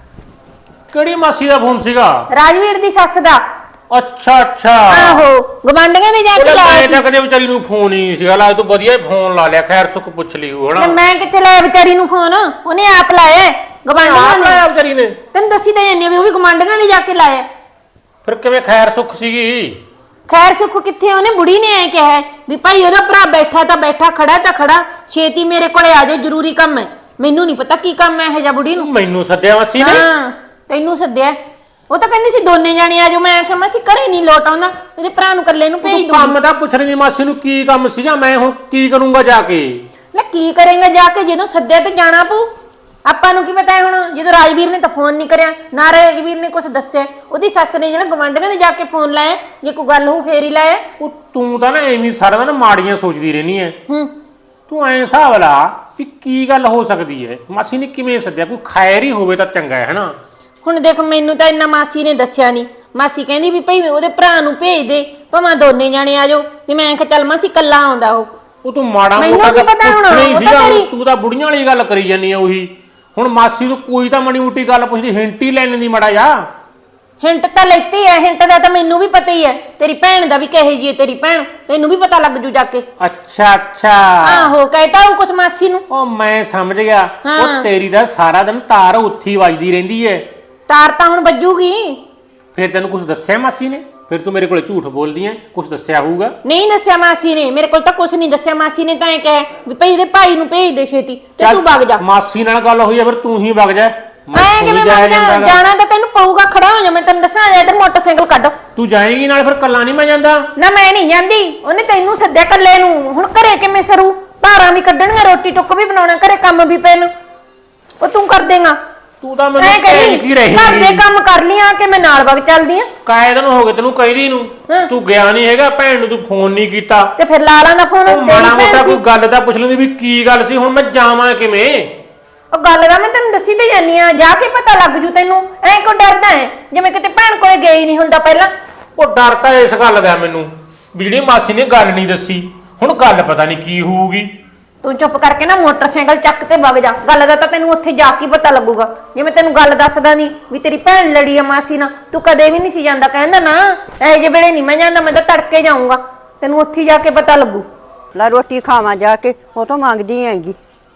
ਕਿਹੜੀ ਮਾਸੀ ਦਾ ਫੋਨ ਸੀਗਾ?
ਰਾਜਵੀਰ ਦੀ ਸੱਸ ਦਾ
ਅੱਛਾ ਅੱਛਾ
ਆਹੋ ਗਵਾਂਢੀਆਂ ਨੇ ਜਾ ਕੇ
ਮੈਂ
ਲਾਇਆ
ਤਾਂ
ਸੀ
ਕਦੇ ਵਿਚਾਰੀ ਨੂੰ ਫੋਨ ਹੀ ਨਹੀਂ ਸੀਗਾ ਲਾ ਤੂੰ ਵਧੀਆ ਫੋਨ ਲਾ ਲਿਆ ਖੈਰ ਸੁੱਖ ਪੁੱਛ ਲਈ
ਤੇ
ਹਣਾ
ਮੈਂ ਕਿੱਥੇ ਲਾਇਆ ਵਿਚਾਰੀ ਨੂੰ ਫੋਨ ਉਹਨੇ ਆਪ ਲਾਇਆ ਗਵਾਂਢੀਆਂ ਨੇ
ਆਪ ਵਿਚਾਰੀ ਨੇ
ਤੈਨੂੰ ਦੱਸੀ ਤਾਂ ਜਾਂਦੀ ਆ ਵੀ ਉਹ ਵੀ ਗਵਾਂਢੀਆਂ ਨੇ ਜਾ ਕੇ ਲਾਇਆ
ਫਿਰ ਕਿਵੇਂ ਖੈਰ ਸੁੱਖ ਸੀਗੀ?
ਖੈਰ ਸੁੱਖ ਕਿੱਥੇ ਉਹਨੇ ਬੁੜੀ ਨੇ ਐ ਕਿਹਾ ਵੀ ਭਾਈ ਉਹਦਾ ਭਰਾ ਬੈਠਾ ਤਾਂ ਬੈਠਾ ਖੜਾ ਤਾਂ ਖੜਾ ਛੇਤੀ ਮੇਰੇ ਕੋਲੇ ਆ ਜਾ ਜ਼ਰੂਰੀ ਕੰਮ ਹੈ ਮੈਨੂੰ ਨਹੀਂ ਪਤਾ ਕੀ ਕੰਮ ਹੈ ਇਹ ਜਾਂ ਬੁੜੀ ਨੂੰ
ਮੈਨੂੰ ਸੱਦਿਆ ਮਾਸੀ ਨੇ?
ਹਾਂ ਤੈਨੂੰ ਸੱਦਿਆ ਉਹ ਤਾਂ ਕਹਿੰਦੀ ਸੀ ਦੋਨੇ ਜਾਣੇ ਆ ਜਾਓ ਮੈਂ ਆਖਿਆ ਮਾਸੀ ਘਰੇ ਨਹੀਂ ਲੋਟ ਆਉਂਦਾ ਉਹਦੇ ਭਰਾ ਨੂੰ ਇਕੱਲੇ ਨੂੰ ਭੇਜ
ਤੂੰ
ਦੂੰਗੀ
ਕੰਮ ਤਾਂ ਪੁੱਛ ਰਹੀ ਮਾਸੀ ਨੂੰ ਕੀ ਕੰਮ ਸੀਗਾ ਮੈਂ ਹੁਣ ਕੀ ਕਰੂੰਗਾ ਜਾ ਕੇ?
ਲੈ ਕੀ ਕਰੇਂਗਾ ਜਾ ਕੇ ਜਦੋਂ ਸੱਦਿਆ ਤੇ ਜਾਣਾ ਪਊ ਆਪਾਂ ਨੂੰ ਕੀ ਪਤਾ ਹੈ ਹੁਣ ਜਦੋਂ ਰਾਜਵੀਰ ਨੇ ਤਾਂ ਫੋਨ ਨਹੀਂ ਕਰਿਆ ਨਾ ਰਾਜਵੀਰ ਨੇ ਕੁਝ ਦੱਸਿਆ ਉਹਦੀ ਸੱਸ ਨੇ ਜਿਹੜਾ ਗਵਾਂਢੀਆਂ ਨੇ ਜਾ ਕੇ ਫੋਨ ਲਾਇਆ ਜੇ ਕੋਈ ਗੱਲ ਹੋ ਫੇਰ ਹੀ ਲਾਇਆ
ਉਹ ਤੂੰ ਤਾਂ ਨਾ ਐਵੇਂ ਸਾਰਾ ਦਿਨ ਮਾੜੀਆਂ ਸੋਚਦੀ ਰਹਿਨੀ ਐ
ਹੂੰ
ਤੂੰ ਐਂ ਹਿਸਾਬ ਲਾ ਵੀ ਕੀ ਗੱਲ ਹੋ ਸਕਦੀ ਹੈ ਮਾਸੀ ਨੇ ਕਿਵੇਂ ਸੱਦਿਆ ਕੋਈ ਖੈਰ ਹੀ ਹੋਵੇ ਤਾਂ ਚੰਗਾ ਹੈ ਹਨਾ।
ਹੁਣ ਦੇਖ ਮੈਨੂੰ ਤਾਂ ਇੰਨਾ ਮਾਸੀ ਨੇ ਦੱਸਿਆ ਨਹੀਂ ਮਾਸੀ ਕਹਿੰਦੀ ਵੀ ਭਈ ਉਹਦੇ ਭਰਾ ਨੂੰ ਭੇਜ ਦੇ ਭਾਵੇਂ ਦੋਨੇ ਜਾਣੇ ਆ ਜਾਓ ਤੇ ਮੈਂ ਕਿਹਾ ਚੱਲ ਮਾਸੀ ਕੱਲਾ ਆਉਂਦਾ ਉਹ
ਉਹ ਤੂੰ ਮਾੜਾ
ਮੈਨੂੰ
ਮੋਟਾ
ਕੀ ਪਤਾ ਹੁਣ,
ਪੁੱਛਣਾ ਹੀ
ਉਹ ਤਾਂ
ਸੀਗਾ
ਤੇਰੀ-
ਤੂੰ ਤਾਂ ਬੁੜੀਆਂ ਵਾਲੀ ਗੱਲ ਕਰੀ ਜਾਨੀ ਆ ਉਹੀ ਹੁਣ ਮਾਸੀ ਤੋਂ ਕੋਈ ਤਾਂ ਮਣੀ ਮੋਟੀ ਗੱਲ ਪੁੱਛਦੀ ਹਿੰਟ ਹੀ ਲੈਣ ਦੀ ਮਾੜਾ ਜਾ
ਹਿੰਟ ਤਾਂ ਲੈਤੀ ਹੈ ਹਿੰਟ ਦਾ ਤਾਂ ਮੈਨੂੰ ਵੀ ਪਤਾ ਹੀ ਹੈ ਤੇਰੀ ਭੈਣ ਦਾ ਵੀ ਕਹੇ ਜੀ ਹੈ ਤੇਰੀ ਭੈਣ ਤੈਨੂੰ ਵੀ ਪਤਾ ਲੱਗ ਜੂ ਜਾ ਕੇ
ਅੱਛਾ ਅੱਛਾ
ਆਹੋ ਕਹਿਤਾ ਉਹ ਕੁਛ ਮਾਸੀ ਨੂੰ
ਉਹ ਮੈਂ ਸਮਝ ਗਿਆ
ਹਾਂ।
ਉਹ ਤੇਰੀ ਦਾ ਸਾਰਾ ਦਿਨ ਤਾਰ ਉੱਥੀ ਵੱਜਦੀ ਰਹਿੰਦੀ ਐ
ਤਾਰ ਤਾਂ ਹੁਣ ਵੱਜੂਗੀ
ਫਿਰ ਤੈਨੂੰ ਕੁਝ ਦੱਸਿਆ ਮਾਸੀ ਨੇ ਫਿਰ ਤੂੰ ਮੇਰੇ ਕੋਲੇ ਝੂਠ ਬੋਲਦੀ ਐ ਕੁਝ ਦੱਸਿਆ ਹੋਊਗਾ?
ਨਹੀਂ ਦੱਸਿਆ ਮਾਸੀ ਨੇ ਮੇਰੇ ਕੋਲ ਤਾਂ ਕੁਛ ਨਹੀਂ ਦੱਸਿਆ ਮਾਸੀ ਨੇ ਤਾਂ ਇਹ ਕਹਿ ਵੀ ਭਈ ਇਹਦੇ ਭਾਈ ਨੂੰ ਭੇਜ ਦੇ ਛੇਤੀ ਤੇ
ਚੱਲ,
ਤੂੰ ਵਗ ਜਾ
ਮਾਸੀ ਨਾਲ ਗੱਲ ਹੋਈ ਐ ਫਿਰ ਤੂੰ ਹੀ ਵਗ ਜਾ
ਮੈਂ
ਥੋੜ੍ਹੀ
ਕਿਵੇਂ
ਜਾਇਆ
ਵਗ ਜਾ
ਜਾਂਦਾ ਗਾ।
ਜਾਣਾ ਤਾਂ ਤੈਨੂੰ ਪਊਗਾ ਖੜਾ ਹੋ ਜਾ ਮੈਂ ਤੈਨੂੰ ਦੱਸਾਂ ਇਧਰ ਮੋਟਰਸਾਈਕਲ ਕੱਢ
ਤੂੰ ਜਾਏਂਗੀ ਨਾਲ ਫਿਰ ਕੱਲਾ ਨਹੀਂ ਮੈਂ ਜਾਂਦਾ।
ਨਾ ਮੈਂ ਨਹੀਂ ਜਾਂਦੀ ਉਹਨੇ ਤੈਨੂੰ ਸੱਦਿਆ ਕੱਲੇ ਨੂੰ ਹੁਣ ਘਰੇ ਕਿਵੇਂ ਸਰੂ ਭਾਰਾਂ ਵੀ ਕੱਢਣੀਆਂ ਰੋਟੀ ਟੁੱਕ ਵੀ ਬਣਾਉਣਾ ਘਰੇ ਕੰਮ ਵੀ ਪੈਣ ਉਹ ਤੂੰ ਕਰ ਦੇਗਾ
ਤੂੰ ਤਾਂ
ਮੈਂ
ਮੈਨੂੰ ਕਹਿ ਕੀ ਰਹੀ
ਘਰ ਦੇ ਕੰਮ ਕਰ ਲਿਆ ਕਿ ਮੈਂ ਨਾਲ ਵਗ ਚੱਲਦੀ ਆ
ਕਾਇ ਦਿਨ ਹੋ ਗਏ ਤੈਨੂੰ ਕਹਿਦੀ ਨੂੰ
ਹਾਂ।
ਤੂੰ ਗਿਆ ਨਹੀਂ ਹੈਗਾ ਭੈਣ ਨੂੰ ਤੂੰ ਫੋਨ ਨਹੀਂ ਕੀਤਾ
ਤੇ ਫਿਰ ਲਾ ਲਾ ਨਾ ਫੋਨ
ਉਹ
ਤੇਰੀ
ਮਾੜਾ
ਭੈਣ
ਮੋਟਾ
ਸੀ
ਕੋਈ ਗੱਲ ਤਾਂ ਪੁੱਛ ਲੈਂਦੀ ਵੀ ਕੀ ਗੱਲ ਸੀ ਹੁਣ ਮੈਂ ਜਾਵਾਂ ਕਿਵੇਂ?
ਉਹ ਗੱਲ ਦਾ ਮੈਂ ਤੈਨੂੰ ਦੱਸੀ ਤੇ ਜਾਨੀ ਆ ਜਾ ਕੇ ਪਤਾ ਲੱਗ ਜੂ ਤੈਨੂੰ ਐ ਕੋ ਡਰਦਾ ਹੈ ਜਿਵੇਂ ਕਿਤੇ ਭੈਣ ਕੋਲੇ ਗਈ ਨਹੀਂ ਹੁੰਦਾ ਪਹਿਲਾਂ
ਉਹ ਡਰ ਤਾਂ ਇਸ ਗੱਲ ਦਾ ਮੈਨੂੰ ਵੀ ਜਿਹੜੀ ਮਾਸੀ ਨੇ ਗੱਲ ਨਹੀਂ ਦੱਸੀ ਹੁਣ ਗੱਲ ਪਤਾ ਨਹੀਂ ਕੀ ਹੋਊਗੀ।
ਤੂੰ ਚੁੱਪ ਕਰਕੇ ਨਾ ਮੋਟਰਸਾਈਕਲ ਚੱਕ ਤੇ ਵਗ ਜਾ ਗੱਲ ਦਾ ਤਾਂ ਤੈਨੂੰ ਉੱਥੇ ਜਾ ਕੇ ਪਤਾ ਲੱਗੂਗਾ ਜਿਵੇਂ ਤੈਨੂੰ ਗੱਲ ਦੱਸਦਾ ਨਹੀਂ ਵੀ ਤੇਰੀ ਭੈਣ ਲੜੀ ਆ ਮਾਸੀ ਨਾਲ ਤੂੰ ਕਦੇ ਵੀ ਨਹੀਂ ਸੀ ਜਾਂਦਾ ਕਹਿੰਦਾ ਨਾ ਇਹ ਜੇ ਵੇਲੇ ਨਹੀਂ ਮੈਂ ਜਾਂਦਾ ਮੈਂ ਤਾਂ ਤੜਕੇ ਜਾਊਂਗਾ ਤੈਨੂੰ ਉੱਥੇ ਜਾ ਕੇ ਪਤਾ ਲੱਗੂ
ਲੈ ਰੋਟੀ ਖਾਵਾਂ ਜਾ ਕੇ ਉਹ ਤੋਂ ਮੰਗਦੀ ਹੈਗੀ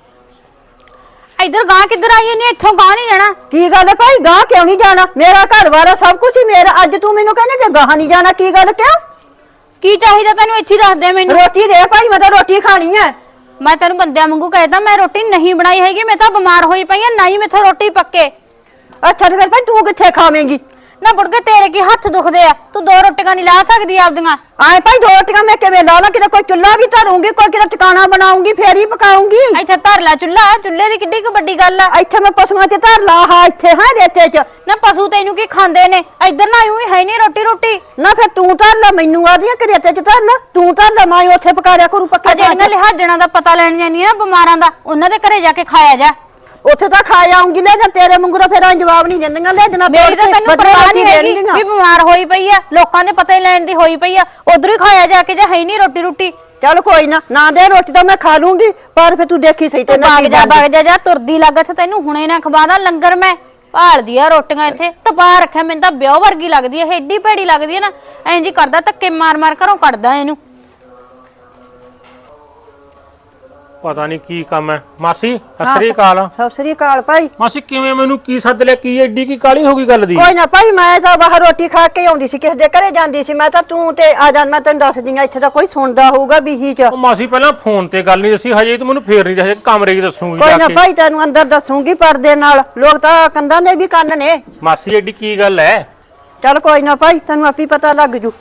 ਇੱਧਰ ਗਾਂ ਕਿੱਧਰ ਆਈ ਨਹੀਂ ਇੱਥੋਂ ਗਾਂ ਨਹੀਂ ਜਾਣਾ
ਕੀ ਗੱਲ ਹੈ ਭਾਈ ਗਾਂ ਕਿਉਂ ਨਹੀਂ ਜਾਣਾ ਮੇਰਾ ਘਰ ਵਾਲਾ ਸਭ ਕੁਝ ਹੀ ਮੇਰਾ ਅੱਜ ਤੂੰ ਮੈਨੂੰ ਕਹਿੰਦਾ ਕਿ ਗਾਂ ਨਹੀਂ ਜਾਣਾ ਕੀ ਗੱਲ ਕਿਉਂ
ਕੀ ਚਾਹੀਦਾ ਤੈਨੂੰ ਇੱਥੇ ਦੱਸ ਦੇ ਮੈਨੂੰ
ਰੋਟੀ ਦੇ ਭਾਈ ਮੈਂ ਤਾਂ ਰੋਟੀ ਖਾਣੀ ਹੈ
ਮੈਂ ਤੈਨੂੰ ਬੰਦਿਆਂ ਵਾਂਗੂ ਕਹਿਦਾ ਮੈਂ ਰੋਟੀ ਨਹੀਂ ਬਣਾਈ ਹੈਗੀ ਮੈਂ ਤਾਂ ਬਿਮਾਰ ਹੋਈ ਪਈ ਆ ਨਾ ਹੀ ਮੈਥੋਂ ਰੋਟੀ ਪੱਕੇ
ਅੱਛਾ ਤੇ ਫਿਰ ਭਾਈ ਤੂੰ ਕਿੱਥੇ ਖਾਵੇਂਗੀ
ਨਾ ਬੁੜਕੇ ਤੇਰੇ ਕੀ ਹੱਥ ਦੁਖਦੇ ਆ ਤੂੰ ਦੋ ਰੋਟੀਆਂ ਨਹੀਂ ਲਾ ਸਕਦੀ ਆਪਦੀਆਂ
ਆਏ ਭਾਈ ਦੋ ਰੋਟੀਆਂ ਮੈਂ ਕਿਵੇਂ ਲਾ ਲਾਂ ਕਿਤੇ ਕੋਈ ਚੁੱਲ੍ਹਾ ਵੀ ਧਰੂੰਗੀ ਕੋਈ ਕਿਤੇ ਟਿਕਾਣਾ ਬਣਾਉਂਗੀ ਫੇਰ ਹੀ ਪਕਾਉਂਗੀ
ਇੱਥੇ ਧਰ ਲੈ ਚੁੱਲ੍ਹਾ ਚੁੱਲ੍ਹੇ ਦੀ ਕਿੱਡੀ ਕੁ ਵੱਡੀ ਗੱਲ ਆ
ਇੱਥੇ ਮੈਂ ਪਸ਼ੂਆਂ 'ਚ ਧਰ ਲਾ ਹਾਂ ਇੱਥੇ ਹਾਂ ਰੇਤੇ 'ਚ
ਨਾ ਪਸ਼ੂ ਤੈਨੂੰ ਕੀ ਖਾਂਦੇ ਨੇ ਇੱਧਰ ਨਾ ਆਇਓ ਹੈ ਨਹੀਂ ਰੋਟੀ ਰੋਟੀ
ਨਾ ਫਿਰ ਤੂੰ ਧਰ ਲੈ ਮੈਨੂੰ ਆਦੀਆਂ ਕਿ ਰੇਤੇ 'ਚ ਧਰ ਲੈ ਤੂੰ ਧਰ ਲੈ ਮੈਂ ਉੱਥੇ ਪਕਾ ਲਿਆ ਕਰੂ ਪੱਕਾ
ਆ ਜਿਹੜੀਆਂ ਲਿਹਾਜ਼ਣਾ ਦਾ ਪਤਾ ਲੈਣ ਜਾਂਦੀਆਂ ਨਾ ਬਿਮਾਰਾਂ ਦਾ ਉਹਨਾਂ ਦੇ ਘਰੇ ਜਾ ਕੇ ਖਾਇਆ ਜਾ
ਉੱਥੇ ਤਾਂ ਖਾ ਆਉਂਗੀ ਲੈ ਜਾਂ ਤੇਰੇ ਮੰਗੂਰਾ ਫਿਰ ਆਂ ਜਵਾਬ ਨਹੀਂ ਦਿੰਦੀਆਂ ਲੈ ਜਨਾ
ਮੇਰੀ ਤਾਂ ਤੈਨੂੰ ਪਰਵਾਹ ਨਹੀਂ ਹੈਗੀ ਵੀ ਬਿਮਾਰ ਹੋਈ ਪਈ ਆ ਲੋਕਾਂ ਦੇ ਪਤਾ ਹੀ ਲੈਣ ਦੀ ਹੋਈ ਪਈ ਆ ਉਧਰ ਹੀ ਖਾਇਆ ਜਾ ਕੇ ਜੇ ਹੈ ਨਹੀਂ ਰੋਟੀ ਰੋਟੀ
ਚੱਲ ਕੋਈ ਨਾ ਨਾ ਦੇ ਰੋਟੀ ਤਾਂ ਮੈਂ ਖਾ ਲੂੰਗੀ ਪਰ ਫਿਰ ਤੂੰ ਦੇਖੀ ਸਹੀ ਤੇ ਨਾ
ਬਾਗ ਜਾ ਬਾਗ ਜਾ ਜਾ ਤੁਰਦੀ ਲੱਗ ਤੇ ਤੈਨੂੰ ਹੁਣੇ ਨਾ ਖਵਾਦਾ ਲੰਗਰ ਮੈਂ ਭਾਲਦੀ ਆ ਰੋਟੀਆਂ ਇੱਥੇ ਤਪਾ ਰੱਖਿਆ ਮੈਨੂੰ ਤਾਂ ਵਿਆਹ ਵਰਗੀ ਲੱਗਦੀ ਐ ਏਡੀ ਭੈੜੀ ਲੱਗਦੀ ਐ ਨਾ ਐਂ ਜੀ ਕਰਦਾ ਧੱਕੇ ਮਾਰ ਮਾਰ ਘਰੋਂ ਕੱਢਦਾ ਇਹਨੂੰ
ਪਤਾ ਨਹੀਂ ਕੀ ਕੰਮ ਹੈ। ਮਾਸੀ ਸਤਿ ਸ੍ਰੀ ਅਕਾਲ।
ਸਤਿ ਸ੍ਰੀ ਅਕਾਲ ਭਾਈ।
ਮਾਸੀ ਕਿਵੇਂ ਮੈਨੂੰ ਕੀ ਸੱਦ ਲਿਆ? ਕੀ ਐਡੀ ਕੀ ਕਾਲੀ ਹੋ ਗਈ ਗੱਲ ਦੀ?
ਕੋਈ ਨਾ ਭਾਈ, ਮੈਂ ਤਾਂ ਬਾਹਰ ਰੋਟੀ ਖਾ ਕੇ ਆਉਂਦੀ ਸੀ, ਕਿਸੇ ਦੇ ਘਰੇ ਜਾਂਦੀ ਸੀ। ਮੈਂ ਤਾਂ ਤੂੰ ਤੇ ਆ ਜਾ, ਮੈਂ ਤੈਨੂੰ ਦੱਸਦੀ ਆ, ਇੱਥੇ ਤਾਂ ਕੋਈ ਸੁਣਦਾ ਹੋਊਗਾ ਬੀਹੀ ਚ।
ਉਹ ਮਾਸੀ ਪਹਿਲਾਂ ਫੋਨ ਤੇ ਗੱਲ ਨਹੀਂ ਦੱਸੀ, ਹਜੇ ਤੂੰ ਮੈਨੂੰ ਫੇਰ ਨਹੀਂ ਦੱਸਿਆ, ਕਮਰੇ 'ਚ ਦੱਸੂਗੀ
ਕੋਈ
ਜਾ
ਨਾ
ਕੇ।
ਭਾਈ, ਤੈਨੂੰ ਅੰਦਰ ਦੱਸੂਗੀ ਪਰਦੇ ਨਾਲ, ਲੋਕ ਤਾਂ ਕੰਧਾਂ ਦੇ ਵੀ ਕੰਨ ਨੇ।
ਮਾਸੀ ਐਡੀ ਕੀ ਗੱਲ ਹੈ?
ਚੱਲ ਕੋਈ ਨਾ ਭਾਈ, ਤੈਨੂੰ ਆਪੀ ਪਤਾ ਲੱਗ ਜੂ।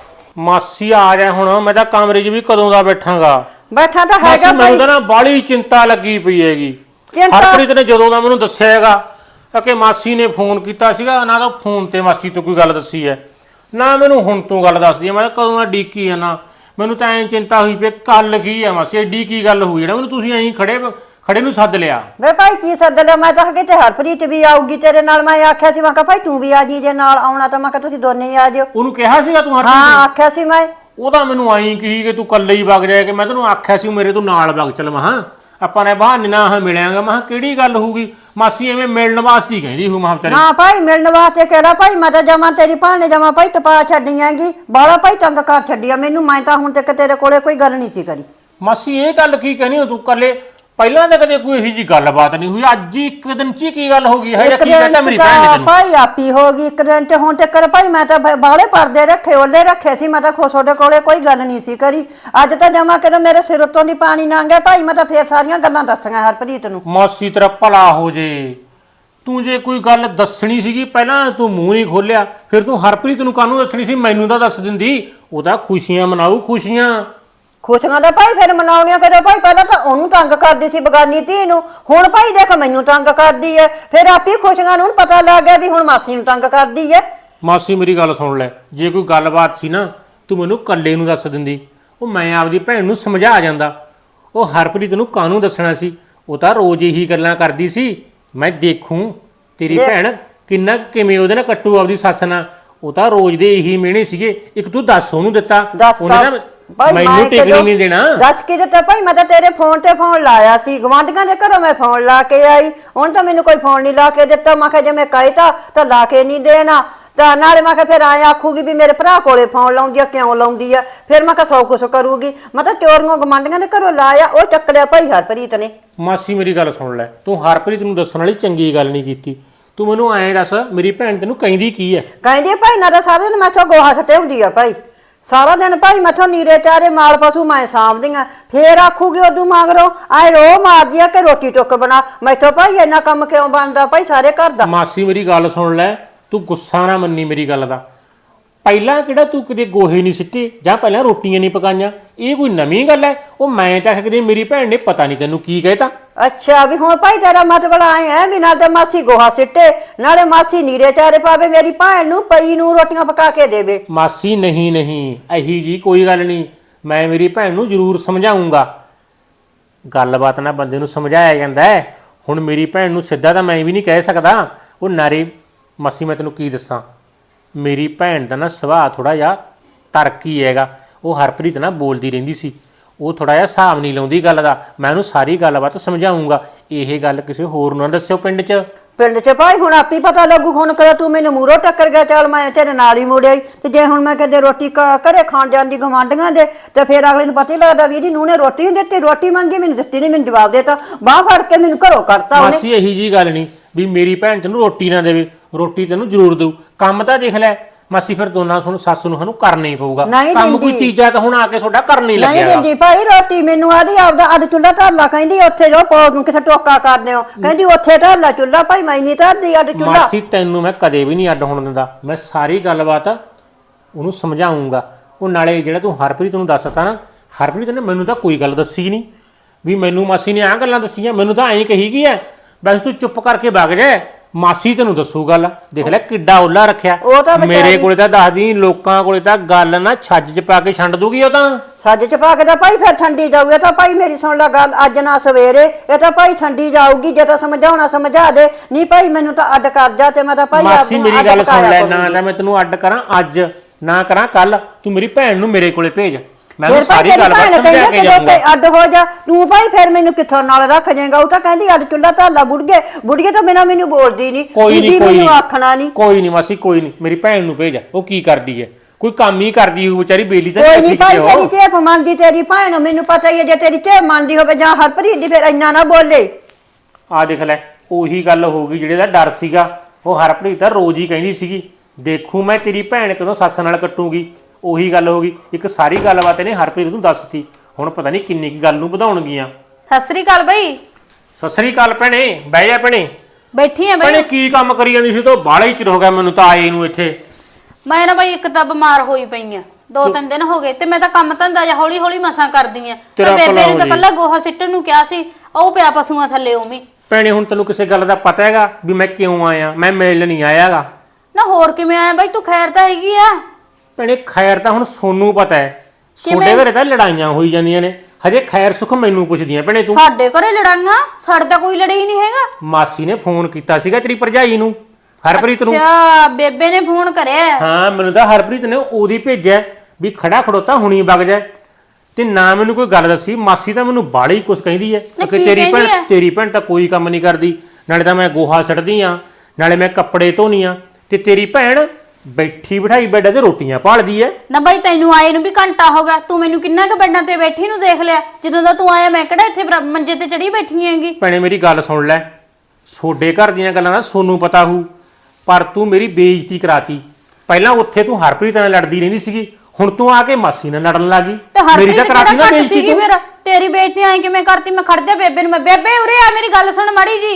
ਮਾਸੀ ਆ ਜਾ ਹੁਣ, ਮੈਂ ਤਾਂ ਕਮਰੇ 'ਚ ਵੀ ਕਦੋਂ ਦਾ ਬੈਠਾਂਗਾ।
ਬੈਠਾ ਤਾਂ
ਮਾਸੀ
ਹੈਗਾ
ਮੈਨੂੰ
ਭਾਈ।
ਤਾਂ ਨਾ ਬਾਹਲੀ ਚਿੰਤਾ ਲੱਗੀ ਪਈ ਹੈਗੀ।
ਚਿੰਤਾ?
ਹਰਪ੍ਰੀਤ ਨੇ ਜਦੋਂ ਦਾ ਮੈਨੂੰ ਦੱਸਿਆ ਹੈਗਾ ਕਿ ਮਾਸੀ ਨੇ ਫੋਨ ਕੀਤਾ ਸੀਗਾ, ਨਾ ਤਾਂ ਫੋਨ ਤੇ ਮਾਸੀ ਤੋਂ ਕੋਈ ਗੱਲ ਦੱਸੀ ਹੈ, ਨਾ ਮੈਨੂੰ ਹੁਣ ਤੂੰ ਗੱਲ ਦੱਸਦੀ ਹੈ। ਮੈਂ ਤਾਂ ਕਦੋਂ ਦਾ ਡੀਕੀ ਆ ਨਾ, ਮੈਨੂੰ ਤਾਂ ਐਂ ਚਿੰਤਾ ਹੋਈ ਪਈ ਕੱਲ ਕੀ ਹੈ ਮਾਸੀ, ਐਡੀ ਕੀ ਗੱਲ ਹੋਈ ਜਿਹੜਾ ਮੈਨੂੰ ਤੁਸੀਂ ਐਂ ਖੜੇ ਖੜੇ ਨੂੰ ਸੱਦ ਲਿਆ?
ਵੇ ਭਾਈ ਕੀ ਸੱਦ ਲਿਆ? ਮੈਂ ਤਾਂ ਕਿਤੇ ਹਰਪ੍ਰੀਤ ਵੀ ਆਊਗੀ ਤੇਰੇ ਨਾਲ। ਮੈਂ ਆਖਿਆ ਸੀ, ਮੈਂ ਕਿਹਾ ਭਾਈ ਤੂੰ ਵੀ ਆ ਜੀ, ਜੇ ਨਾਲ ਆਉਣਾ ਤਾਂ ਮੈਂ ਕਿਹਾ ਤੁਸੀਂ ਦੋਨੇ ਹੀ ਆ ਜਿਓ।
ਉਹਨੂੰ ਕਿਹਾ ਸੀਗਾ ਤੂੰ ਹਰਪ੍ਰੀਤ
ਹਾਂ
ਨੂੰ?
ਆਖਿਆ ਸੀ ਮੈਂ।
ਉਹਦਾ ਮੈਨੂੰ ਆਈ ਕਹੀ ਕਿ ਤੂੰ ਇਕੱਲੇ ਹੀ ਵਗ ਜਾਏ, ਕਿ ਮੈਂ ਤੈਨੂੰ ਆਖਿਆ ਸੀ ਮੇਰੇ ਤੋਂ ਨਾਲ ਵਗ ਚੱਲ। ਮਹਾਂ ਆਪਾਂ ਨੇ ਬਹਾਨੇ ਨਾਲ ਮਿਲਿਆਂਗਾ। ਮਹਾਂ ਕਿਹੜੀ ਗੱਲ ਹੋਊਗੀ? ਮਾਸੀ ਐਵੇਂ ਮਿਲਣ ਵਾਸਤੇ ਕਹਿੰਦੀ ਹੂੰ ਮਹਾਂ ਵਿਚਾਰੀ।
ਨਾ ਭਾਈ ਮਿਲਣ ਵਾਸਤੇ ਕਿਹੜਾ ਭਾਈ, ਮੈਂ ਤਾਂ ਜਮਾ ਤੇਰੀ ਭੈਣ ਨੇ ਜਮਾ ਭਾਈ ਤਪਾ ਛੱਡੀਆਂਗੀ, ਬਾਲਾ ਭਾਈ ਤੰਗ ਕਰ ਛੱਡਿਆ ਮੈਨੂੰ। ਮੈਂ ਤਾਂ ਹੁਣ ਤੱਕ ਤੇਰੇ ਕੋਲੇ ਕੋਈ ਗੱਲ ਨਹੀਂ ਸੀ ਕਰੀ।
ਮਾਸੀ ਇਹ ਗੱਲ ਕੀ ਕਹਿਣੀ ਹੋ ਤੂੰ? ਇਕੱਲੇ ਪਹਿਲਾਂ ਤਾਂ ਕਦੇ ਕੋਈ ਇਹੀ ਜੀ ਗੱਲਬਾਤ ਨਹੀਂ ਹੋਈ, ਅੱਜ ਹੀ ਇੱਕ ਦਿਨ ਚ ਹੀ ਕੀ ਗੱਲ ਹੋ ਗਈ ਹੈ? ਕੀ ਕਹਿੰਦਾ ਮੇਰੀ ਭੈਣ ਨੇ ਤੈਨੂੰ?
ਭਾਈ ਆਪੀ ਹੋ ਗਈ ਇੱਕ ਦਿਨ ਚ। ਹੁਣ ਤੱਕ ਭਾਈ ਮੈਂ ਤਾਂ ਬਾਲੇ ਪਰਦੇ ਰੱਖੇ, ਓਲੇ ਰੱਖੇ ਸੀ। ਮੈਂ ਤਾਂ ਤੁਹਾਡੇ ਕੋਲੇ ਕੋਈ ਗੱਲ ਨਹੀਂ ਸੀ ਕਰੀ। ਅੱਜ ਤਾਂ ਜਮਾ ਕਰੋ ਮੇਰੇ ਸਿਰ ਉੱਤੋਂ ਦੀ ਪਾਣੀ ਲੰਘ ਗਿਆ ਭਾਈ। ਮੈਂ ਤਾਂ ਫੇਰ ਸਾਰੀਆਂ ਗੱਲਾਂ ਦੱਸੀਆਂ ਹਰਪ੍ਰੀਤ ਨੂੰ।
ਮਾਸੀ ਤੇਰਾ ਭਲਾ ਹੋ ਜੇ, ਤੂੰ ਜੇ ਕੋਈ ਗੱਲ ਦੱਸਣੀ ਸੀਗੀ ਪਹਿਲਾਂ ਤੂੰ ਮੂੰਹ ਨਹੀਂ ਖੋਲਿਆ, ਫਿਰ ਤੂੰ ਹਰਪ੍ਰੀਤ ਨੂੰ ਕਾਹਨੂੰ ਦੱਸਣੀ ਸੀ? ਮੈਨੂੰ ਤਾਂ ਦੱਸ ਦਿੰਦੀ, ਉਹਦਾ ਖੁਸ਼ੀਆਂ ਮਨਾਊ ਖੁਸ਼ੀਆਂ।
ਖੁਸ਼ੀਆਂ ਦਾ ਭਾਈ ਫਿਰ ਮਨਾਉਣੀਆਂ ਕਦੋਂ ਭਾਈ? ਪਹਿਲਾਂ ਤਾਂ ਉਹਨੂੰ ਤੰਗ ਕਰਦੀ ਸੀ ਬਗਾਨੀ ਧੀ ਨੂੰ, ਹੁਣ ਭਾਈ ਦੇਖ ਮੈਨੂੰ ਤੰਗ ਕਰਦੀ ਐ। ਫਿਰ ਆਪੀ ਖੁਸ਼ੀਆਂ ਨੂੰ ਪਤਾ ਲੱਗ ਗਿਆ ਵੀ ਹੁਣ ਮਾਸੀ ਨੂੰ ਤੰਗ ਕਰਦੀ ਐ।
ਮਾਸੀ ਮੇਰੀ ਗੱਲ ਸੁਣ ਲੈ, ਜੇ ਕੋਈ ਗੱਲਬਾਤ ਸੀ ਨਾ ਤੂੰ ਮੈਨੂੰ ਇਕੱਲੇ ਨੂੰ ਦੱਸ ਦਿੰਦੀ, ਉਹ ਮੈਂ ਆਪਦੀ ਭੈਣ ਨੂੰ ਸਮਝਾ ਜਾਂਦਾ। ਉਹ ਹਰਪ੍ਰੀਤ ਨੂੰ ਕਾਹਨੂੰ ਦੱਸਣਾ ਸੀ? ਉਹ ਤਾਂ ਰੋਜ਼ ਇਹੀ ਗੱਲਾਂ ਕਰਦੀ ਸੀ, ਮੈਂ ਦੇਖੂੰ ਤੇਰੀ ਭੈਣ ਕਿੰਨਾ ਕਿਵੇਂ ਉਹਦੇ ਨਾਲ ਕੱਟੂ ਆਪਦੀ ਸੱਸ ਨਾਲ। ਉਹ ਤਾਂ ਰੋਜ਼ ਦੇ ਇਹੀ ਮਿਹਣੇ ਸੀਗੇ, ਇੱਕ ਤੂੰ ਦੱਸ ਉਹਨੂੰ ਦਿੱਤਾ, ਉਹਨੇ ਨਾ ਮੈਨੂੰ ਟਿਕਣੀ ਨਹੀਂ ਦੇਣਾ।
ਦੱਸ ਕੇ ਦਿੱਤਾ ਭਾਈ? ਮੈਂ ਤਾਂ ਤੇਰੇ ਫੋਨ ਤੇ ਫੋਨ ਲਾਇਆ ਸੀ, ਗਵਾਂਢੀਆਂ ਦੇ ਘਰੋਂ ਮੈਂ ਫੋਨ ਲਾ ਕੇ ਆਈ। ਹੁਣ ਤਾਂ ਮੈਨੂੰ ਕੋਈ ਫੋਨ ਨਹੀਂ ਲਾ ਕੇ ਦਿੱਤਾ। ਮੈਂ ਕਿਹਾ ਜੇ ਮੈਂ ਕਹਿਤਾ ਤਾਂ ਲਾ ਕੇ ਨਹੀਂ ਦੇਣਾ। ਤਾਂ ਨਾਲੇ ਮੈਂ ਕਿਹਾ ਫਿਰ ਆਏ ਆਖੂਗੀ ਵੀ ਮੇਰੇ ਭਰਾ ਕੋਲੇ ਫੋਨ ਲਾਉਂਦੀ ਆ, ਕਿਉਂ ਲਾਉਂਦੀ ਆ? ਫਿਰ ਮੈਂ ਕਿਹਾ ਸੌ ਕੁਛ ਕਰੂਗੀ। ਮੈਂ ਤਾਂ ਚੋਰੀਆਂ ਗਵਾਂਢੀਆਂ ਦੇ ਘਰੋਂ ਲਾਇਆ, ਉਹ ਚੱਕ ਲਿਆ ਭਾਈ ਹਰਪ੍ਰੀਤ ਨੇ।
ਮਾਸੀ ਮੇਰੀ ਗੱਲ ਸੁਣ ਲੈ, ਤੂੰ ਹਰਪ੍ਰੀਤ ਨੂੰ ਦੱਸਣ ਵਾਲੀ ਚੰਗੀ ਗੱਲ ਨਹੀਂ ਕੀਤੀ। ਤੂੰ ਮੈਨੂੰ ਐਂ ਦੱਸ, ਮੇਰੀ ਭੈਣ ਤੈਨੂੰ ਕਹਿੰਦੀ ਕੀ ਹੈ?
ਕਹਿੰਦੀ ਭਾਈ ਨਾ ਤਾਂ ਸਾਰਾ ਦਿਨ ਮੈਥੋਂ ਗੋਹਾ ਸੱਟੇ ਹੁੰਦੀ ਆ ਭਾਈ, ਸਾਰਾ ਦਿਨ ਭਾਈ ਮੈਥੋਂ ਨੀਰੇ ਚਾਰੇ ਮਾਲ ਪਸ਼ੂ ਮੈਂ ਸਾਂਭਦੀਆਂ। ਫੇਰ ਆਖੂਗੀ ਉਦੋਂ ਮਗਰੋਂ ਆਏ ਰੋ ਮਾਰਦੀ ਆ ਕਿ ਰੋਟੀ ਟੁੱਕ ਬਣਾ। ਮੈਥੋਂ ਭਾਈ ਇੰਨਾ ਕੰਮ ਕਿਉਂ ਬਣਦਾ ਭਾਈ ਸਾਰੇ ਘਰ ਦਾ?
ਮਾਸੀ ਮੇਰੀ ਗੱਲ ਸੁਣ ਲੈ, ਤੂੰ ਗੁੱਸਾ ਨਾ ਮੰਨੀ ਮੇਰੀ ਗੱਲ ਦਾ। ਪਹਿਲਾਂ ਕਿਹੜਾ ਤੂੰ ਕਿਤੇ ਗੋਹੇ ਨਹੀਂ ਸਿੱਟੇ ਜਾਂ ਪਹਿਲਾਂ ਰੋਟੀਆਂ ਨਹੀਂ ਪਕਾਈਆਂ? ਇਹ ਕੋਈ ਨਵੀਂ ਗੱਲ ਹੈ? ਉਹ ਮੈਂ ਤਾਂ ਕਦੇ ਮੇਰੀ ਭੈਣ ਨੇ ਪਤਾ ਨਹੀਂ ਤੈਨੂੰ ਕੀ ਕਹਿਤਾ।
ਅੱਛਾ ਵੀ ਹੁਣ ਭਾਈ ਤੇਰਾ ਮਤਲਬ ਆਏ ਹੈ ਵੀ ਨਾਲ ਤਾਂ ਮਾਸੀ ਗੋਹਾ ਸਿੱਟੇ, ਨਾਲੇ ਮਾਸੀ ਨੀਰੇ ਚਾਰੇ ਪਾਵੇ, ਮੇਰੀ ਭੈਣ ਨੂੰ ਪਈ ਨੂੰ ਰੋਟੀਆਂ ਪਕਾ ਕੇ ਦੇਵੇ।
ਮਾਸੀ ਨਹੀਂ ਨਹੀਂ, ਇਹੀ ਜੀ ਕੋਈ ਗੱਲ ਨਹੀਂ, ਮੈਂ ਮੇਰੀ ਭੈਣ ਨੂੰ ਜ਼ਰੂਰ ਸਮਝਾਉਂਗਾ। ਗੱਲਬਾਤ ਨਾਲ ਬੰਦੇ ਨੂੰ ਸਮਝਾਇਆ ਜਾਂਦਾ ਹੈ। ਹੁਣ ਮੇਰੀ ਭੈਣ ਨੂੰ ਸਿੱਧਾ ਤਾਂ ਮੈਂ ਵੀ ਨਹੀਂ ਕਹਿ ਸਕਦਾ। ਉਹ ਨਾਰੇ ਮਾਸੀ ਮੈਂ ਤੈਨੂੰ ਕੀ ਦੱਸਾਂ, ਮੇਰੀ ਭੈਣ ਦਾ ਨਾ ਸੁਭਾਅ ਥੋੜਾ ਜਿਹਾ ਤਰਕੀ ਹੈਗਾ। ਉਹ ਹਰਪ੍ਰੀਤ ਨਾਲ ਬੋਲਦੀ ਰਹਿੰਦੀ ਸੀ, ਉਹ ਥੋੜਾ ਜਿਹਾ ਹਿਸਾਬ ਨਹੀਂ ਲਾਉਂਦੀ ਗੱਲ ਦਾ। ਮੈਂ ਉਹਨੂੰ ਸਾਰੀ ਗੱਲਬਾਤ ਸਮਝਾਉਂਗਾ। ਇਹ ਗੱਲ ਕਿਸੇ ਹੋਰ ਨੂੰ ਨਾ ਦੱਸਿਓ ਪਿੰਡ 'ਚ।
ਪਿੰਡ 'ਚ ਭਾਈ ਹੁਣ ਆਪੀ ਪਤਾ ਲੱਗੂ। ਹੁਣ ਕਰਾ ਤੂੰ ਮੈਨੂੰ ਮੂਹਰੋਂ ਟੱਕਰ ਗਿਆ, ਚੱਲ ਮੈਂ ਤੇਰੇ ਨਾਲ ਹੀ ਮੁੜਿਆ। ਤੇ ਜੇ ਹੁਣ ਮੈਂ ਕਦੇ ਰੋਟੀ ਘਰੇ ਖਾਣ ਜਾਂਦੀ ਗਵਾਂਢੀਆਂ ਦੇ, ਤੇ ਫਿਰ ਅਗਲੇ ਨੂੰ ਪਤਾ ਹੀ ਲੱਗਦਾ ਵੀ ਇਹਦੀ ਨੂੰਹ ਨੇ ਰੋਟੀ ਨਹੀਂ ਦਿੱਤੀ। ਰੋਟੀ ਮੰਗੀ ਮੈਨੂੰ ਦਿੱਤੀ ਨਹੀਂ, ਮੈਨੂੰ ਜਵਾਬ ਦੇਤਾ, ਬਾਹ ਫੜ ਕੇ ਮੈਨੂੰ ਘਰੋਂ ਕੱਢਤਾ ਉਹਨੇ।
ਮਾਸੀ ਇਹੀ ਜੀ ਗੱਲ ਨਹੀਂ ਵੀ ਮੇਰੀ ਭੈਣ ਤੈਨੂੰ ਰੋਟੀ ਨਾ ਦੇਵੇ, ਰੋਟੀ ਤੈਨੂੰ ਜ਼ਰੂਰ ਦੇਊ। ਕੰਮ ਤਾਂ ਦੇਖ ਲੈ ਮਾਸੀ, ਫਿਰ ਦੋਨਾਂ ਤੁਹਾਨੂੰ ਸੱਸ ਨੂੰ ਸਾਨੂੰ ਕਰਨਾ ਹੀ ਪਊਗਾ ਕੰਮ। ਕੋਈ ਤੀਜਾ ਤਾਂ ਹੁਣ ਆ ਕੇ ਤੁਹਾਡਾ ਕਰਨ ਹੀ ਲੱਗਿਆ।
ਨਹੀਂ ਦਿੰਦੀ ਭਾਈ ਰੋਟੀ ਮੈਨੂੰ, ਆਦੀ ਆਪਦਾ ਅੱਡ ਚੁੱਲਾ ਧਰ ਲਾ। ਕਹਿੰਦੀ ਉੱਥੇ ਜੋ ਪੌ ਨੂੰ ਕਿਥੇ ਟੋਕਾ ਕਰਦੇ ਹੋ, ਕਹਿੰਦੀ ਉੱਥੇ ਧਰ ਲਾ ਚੁੱਲਾ। ਭਾਈ ਮੈਂ ਨਹੀਂ ਧਰਦੀ ਅੱਡ ਚੁੱਲਾ।
ਮਾਸੀ ਤੈਨੂੰ ਮੈਂ ਕਦੇ ਵੀ ਨਹੀਂ ਅੱਡ ਹੋਣ ਦਿੰਦਾ। ਮੈਂ ਸਾਰੀ ਗੱਲਬਾਤ ਉਹਨੂੰ ਸਮਝਾਉਂਗਾ। ਉਹ ਨਾਲੇ ਜਿਹੜਾ ਤੂੰ ਹਰਪ੍ਰੀਤ ਨੂੰ ਦੱਸਤਾ ਨਾ, ਹਰਪ੍ਰੀਤ ਨੇ ਮੈਨੂੰ ਤਾਂ ਕੋਈ ਗੱਲ ਦੱਸੀ ਨਹੀਂ ਵੀ ਮੈਨੂੰ ਮਾਸੀ ਨੇ ਆਹ ਗੱਲਾਂ ਦੱਸੀਆਂ। ਮੈਨੂੰ ਤਾਂ ਐਂ ਕਹੀ ਗਈ ਐ ਬਸ ਤੂੰ ਚੁੱਪ ਕਰਕੇ ਵਗ ਜਾ, ਮਾਸੀ ਤੈਨੂੰ ਦੱਸੂ ਗੱਲ। ਦੇਖ ਲੈ ਕਿੱਡਾ ਓਲਾ ਰੱਖਿਆ। ਮੇਰੇ ਕੋਲੇ ਤਾਂ ਦੱਸਦੀ, ਲੋਕਾਂ ਕੋਲੇ ਤਾਂ ਗੱਲ ਨਾ ਛੱਜ 'ਚ ਪਾ ਕੇ ਛੰਡ ਦੂਗੀ। ਉਹ ਤਾਂ
ਛੱਜ 'ਚ ਪਾ ਕੇ ਤਾਂ ਭਾਈ ਫਿਰ ਠੰਡੀ ਜਾਊਗੀ। ਤਾਂ ਭਾਈ ਮੇਰੀ ਸੁਣ ਲੈ ਗੱਲ, ਅੱਜ ਨਾ ਸਵੇਰੇ ਇਹ ਤਾਂ ਭਾਈ ਠੰਡੀ ਜਾਊਗੀ। ਜੇ ਤਾਂ ਸਮਝਾਉਣਾ ਸਮਝਾ ਦੇ, ਨਹੀਂ ਭਾਈ ਮੈਨੂੰ ਤਾਂ ਅੱਡ ਕਰ ਜਾ। ਤੇ ਮੈਂ ਤਾਂ ਭਾਈ
ਮਾਸੀ ਮੇਰੀ ਗੱਲ ਸੁਣ ਲੈ, ਨਾ ਤਾਂ ਮੈਂ ਤੈਨੂੰ ਅੱਡ ਕਰਾਂ ਅੱਜ, ਨਾ ਕਰਾਂ ਕੱਲ। ਤੂੰ ਮੇਰੀ ਭੈਣ ਨੂੰ ਮੇਰੇ ਕੋਲੇ ਭੇਜ, ਮੈਂ ਸਾਰੀ ਗੱਲ ਸਮਝਾ ਕੇ ਜਾਊਂਗਾ।
ਅੱਡ ਹੋ ਜਾ ਤੂੰ ਭਾਈ, ਫਿਰ ਮੈਨੂੰ ਕਿੱਥੋਂ ਨਾਲ ਰੱਖ ਜਾਏਗਾ? ਉਹ ਤਾਂ ਕਹਿੰਦੀ ਅੱਡ ਚੁੱਲਾ ਧਾਲਾ ਬੁੜਗੇ ਬੁੜਗੇ ਤੋਂ ਬਿਨਾਂ ਮੈਨੂੰ ਬੋਲਦੀ ਨਹੀਂ।
ਕੋਈ ਨਹੀਂ ਕੋਈ
ਮੈਨੂੰ ਆਖਣਾ ਨਹੀਂ।
ਕੋਈ ਨਹੀਂ ਮਾਸੀ, ਕੋਈ ਨਹੀਂ, ਮੇਰੀ ਭੈਣ ਨੂੰ ਭੇਜ, ਉਹ ਕੀ ਕਰਦੀ ਹੈ ਕੋਈ ਕੰਮ ਹੀ ਕਰਦੀ ਹੋਊ ਵਿਚਾਰੀ ਬੇਲੀ ਤਾਂ
ਕੋਈ ਨਹੀਂ
ਠੀਕ
ਭਾਈ
ਤੇ
ਤੇਰੀ
ਉਹ।
ਚੇਪ ਮੰਨਦੀ ਤੇਰੀ ਭੈਣ ਮੈਨੂੰ ਪਤਾ ਹੀ ਹੈ ਜੇ ਤੇਰੀ ਚੇਪ ਮੰਨਦੀ ਹੋਵੇ ਜਾਂ ਹਰਪ੍ਰੀਤ ਦੀ ਫਿਰ ਇੰਨਾ ਨਾ ਬੋਲੇ।
ਆ ਦੇਖ ਲੈ ਉਹੀ ਗੱਲ ਹੋ ਗਈ ਜਿਹੜੇ ਦਾ ਡਰ ਸੀਗਾ ਉਹ ਹਰਪ੍ਰੀਤ ਤਾਂ ਰੋਜ਼ ਹੀ ਕਹਿੰਦੀ ਸੀਗੀ ਦੇਖੂ ਮੈਂ ਤੇਰੀ ਭੈਣ ਕਦੋਂ ਸੱਸ ਨਾਲ ਕੱਟੂਗੀ। ਉਹੀ ਗੱਲ ਹੋ ਗਈ ਇੱਕ ਸਾਰੀ ਗੱਲਬਾਤ ਇਹਨੇ ਹਰਪ੍ਰੀਤ ਨੂੰ ਦੱਸਤੀ ਹੁਣ ਪਤਾ ਨਹੀਂ ਕਿੰਨੀ ਕੀ ਗੱਲ ਨੂੰ ਵਧਾਉਣਗੀਆਂ।
ਸਤਿ ਸ੍ਰੀ ਅਕਾਲ ਬਈ।
ਸਤਿ ਸ੍ਰੀ ਅਕਾਲ ਭੈਣੇ ਬਹਿ ਜਾ ਭੈਣੇ।
ਬੈਠੀ ਆ
ਭੈਣੇ
ਬਈ।
ਕੀ ਕੰਮ ਕਰੀ ਜਾਂਦੀ ਸੀ ਤੋ ਬਾਹਲਾ ਹੀ ਚਿਰ ਹੋ ਗਿਆ ਮੈਨੂੰ ਤਾਂ ਆਏ ਨੂੰ ਇੱਥੇ।
ਮੈਂ ਨਾ ਬਈ ਇੱਕ ਤਾਂ ਬਿਮਾਰ ਹੋਈ ਪਈ ਆ ਦੋ ਤਿੰਨ ਦਿਨ ਹੋ ਗਏ ਤੇ ਮੈਂ ਤਾਂ ਕੰਮ ਧੰਦਾ ਜਾਂ ਹੌਲੀ ਹੌਲੀ ਮਸਾਂ ਕਰਦੀ ਆ।
ਤੇਰਾ
ਬੇਬੇ
ਭਲਾ
ਨੂੰ ਤਾਂ
ਹੋ
ਕੱਲਾ ਗੋਹਾ ਸਿੱਟਣ ਨੂੰ ਕਿਹਾ ਸੀ ਉਹ ਪਿਆ ਪਸ਼ੂਆਂ ਥੱਲੇ ਉਹ ਵੀ।
ਭੈਣੇ ਹੁਣ ਤੈਨੂੰ ਕਿਸੇ ਗੱਲ ਦਾ ਪਤਾ ਹੈਗਾ ਵੀ ਮੈਂ ਕਿਉਂ ਆਇਆ ਮੈਂ ਮਿਲਣ ਨਹੀਂ ਆਇਆਗਾ।
ਨਾ ਹੋਰ ਕਿਵੇਂ ਆਇਆ ਬਈ ਤੂੰ ਖੈਰ ਤਾਂ ਹੈਗੀ ਆ।
ਭੈਣੇ ਖੈਰ ਤਾਂ ਹੁਣ ਸੋਨੂੰ ਪਤਾ ਹੈ
ਕਿਵੇਂ?
ਛੋਟੇ ਘਰੇ ਤਾਂ ਲੜਾਈਆਂ ਹੋਈ ਜਾਂਦੀਆਂ ਨੇ ਹਜੇ ਖੈਰ ਸੁਖ ਮੈਨੂੰ ਪੁੱਛਦੀਆਂ ਭੈਣੇ ਤੂੰ।
ਸਾਡੇ ਘਰੇ ਲੜਾਈਆਂ ਸਾਡੇ ਤਾਂ ਕੋਈ ਲੜਾਈ ਨਹੀਂ ਹੈਗਾ।
ਮਾਸੀ ਨੇ ਫੋਨ ਕੀਤਾ ਸੀਗਾ ਤੇਰੀ ਭਰਜਾਈ ਨੂੰ ਹਰਪ੍ਰੀਤ ਨੂੰ।
ਅੱਛਾ ਬੇਬੇ ਨੇ ਫੋਨ ਕਰਿਆ।
ਹਾਂ ਮੈਨੂੰ ਤਾਂ ਹਰਪ੍ਰੀਤ ਨੇ ਉਹਦੀ ਭੇਜਿਆ ਵੀ ਖੜਾ ਖੜੋਤਾ ਹੁਣੀ ਵਗ ਜਾ ਤੇ ਨਾ ਮੈਨੂੰ ਕੋਈ ਗੱਲ ਦੱਸੀ। ਮਾਸੀ ਤਾਂ ਮੈਨੂੰ ਬਾੜੀ ਕੁਛ ਕਹਿੰਦੀ ਹੈ
ਨਾ
ਕਿ
ਕੀ
ਤੇਰੀ
ਕਹਿੰਦੀ
ਭੈਣ
ਹੈ?
ਤੇਰੀ ਭੈਣ ਤਾਂ ਕੋਈ ਕੰਮ ਨਹੀਂ ਕਰਦੀ ਨਾਲੇ ਤਾਂ ਮੈਂ ਗੋਹਾ ਸੜਦੀ ਆ ਨਾਲੇ ਮੈਂ ਕੱਪੜੇ ਧੋਨੀ ਆ ਤੇ ਤੇਰੀ ਭੈਣ ਬੈਠੀ ਬਿਠਾਈ ਬੈੱਡ ਤੇ ਰੋਟੀਆਂ ਭਾਲਦੀ ਐ।
ਨਾ ਬਾਈ ਤੈਨੂੰ ਆਏ ਨੂੰ ਵੀ ਘੰਟਾ ਹੋ ਗਿਆ ਤੂੰ ਮੈਨੂੰ ਕਿੰਨਾ ਕੁ ਬੈੱਡਾਂ ਤੇ ਬੈਠੀ ਨੂੰ ਦੇਖ ਲਿਆ ਜਦੋਂ ਦਾ ਤੂੰ ਆਇਆ ਮੈਂ ਕਿਹੜਾ ਇੱਥੇ ਬਰਾ- ਮੰਜੇ ਤੇ ਚੜੀ ਬੈਠੀ ਹੈਗੀ।
ਭੈਣੇ ਮੇਰੀ ਗੱਲ ਸੁਣ ਲੈ ਸੋਡੇ ਘਰ ਦੀਆਂ ਗੱਲਾਂ ਦਾ ਸੋਨੂੰ ਪਤਾ ਹੋਊ ਪਰ ਤੂੰ ਮੇਰੀ ਬੇਇੱਜ਼ਤੀ ਕਰਾਤੀ। ਪਹਿਲਾਂ ਉੱਥੇ ਤੂੰ ਹਰਪ੍ਰੀਤ ਨਾਲ ਲੜਦੀ ਰਹਿੰਦੀ ਸੀਗੀ ਹੁਣ ਤੂੰ ਆ ਕੇ ਮਾਸੀ ਨਾਲ ਲੜਨ ਲੱਗੀ।
ਤੇ ਹਰਪ੍ਰੀਤ
ਮੇਰੀ ਤਾਂ ਕਰਾਤੀ ਨਾ
ਕਿਹੜਾ ਘੱਟ
ਬੇਇੱਜ਼ਤੀ
ਸੀਗੀ
ਤੂੰ।
ਫਿਰ ਤੇਰੀ ਬੇਇੱਜ਼ਤੀ ਐ ਕਿਵੇਂ ਕਰਤੀ ਮੈਂ ਖੜ ਜਾ ਬੇਬੇ ਨੂੰ ਮੈਂ ਬੇਬੇ ਉਰੇ ਆ ਮੇਰੀ ਗੱਲ ਸੁਣ ਮਾੜੀ ਜੀ।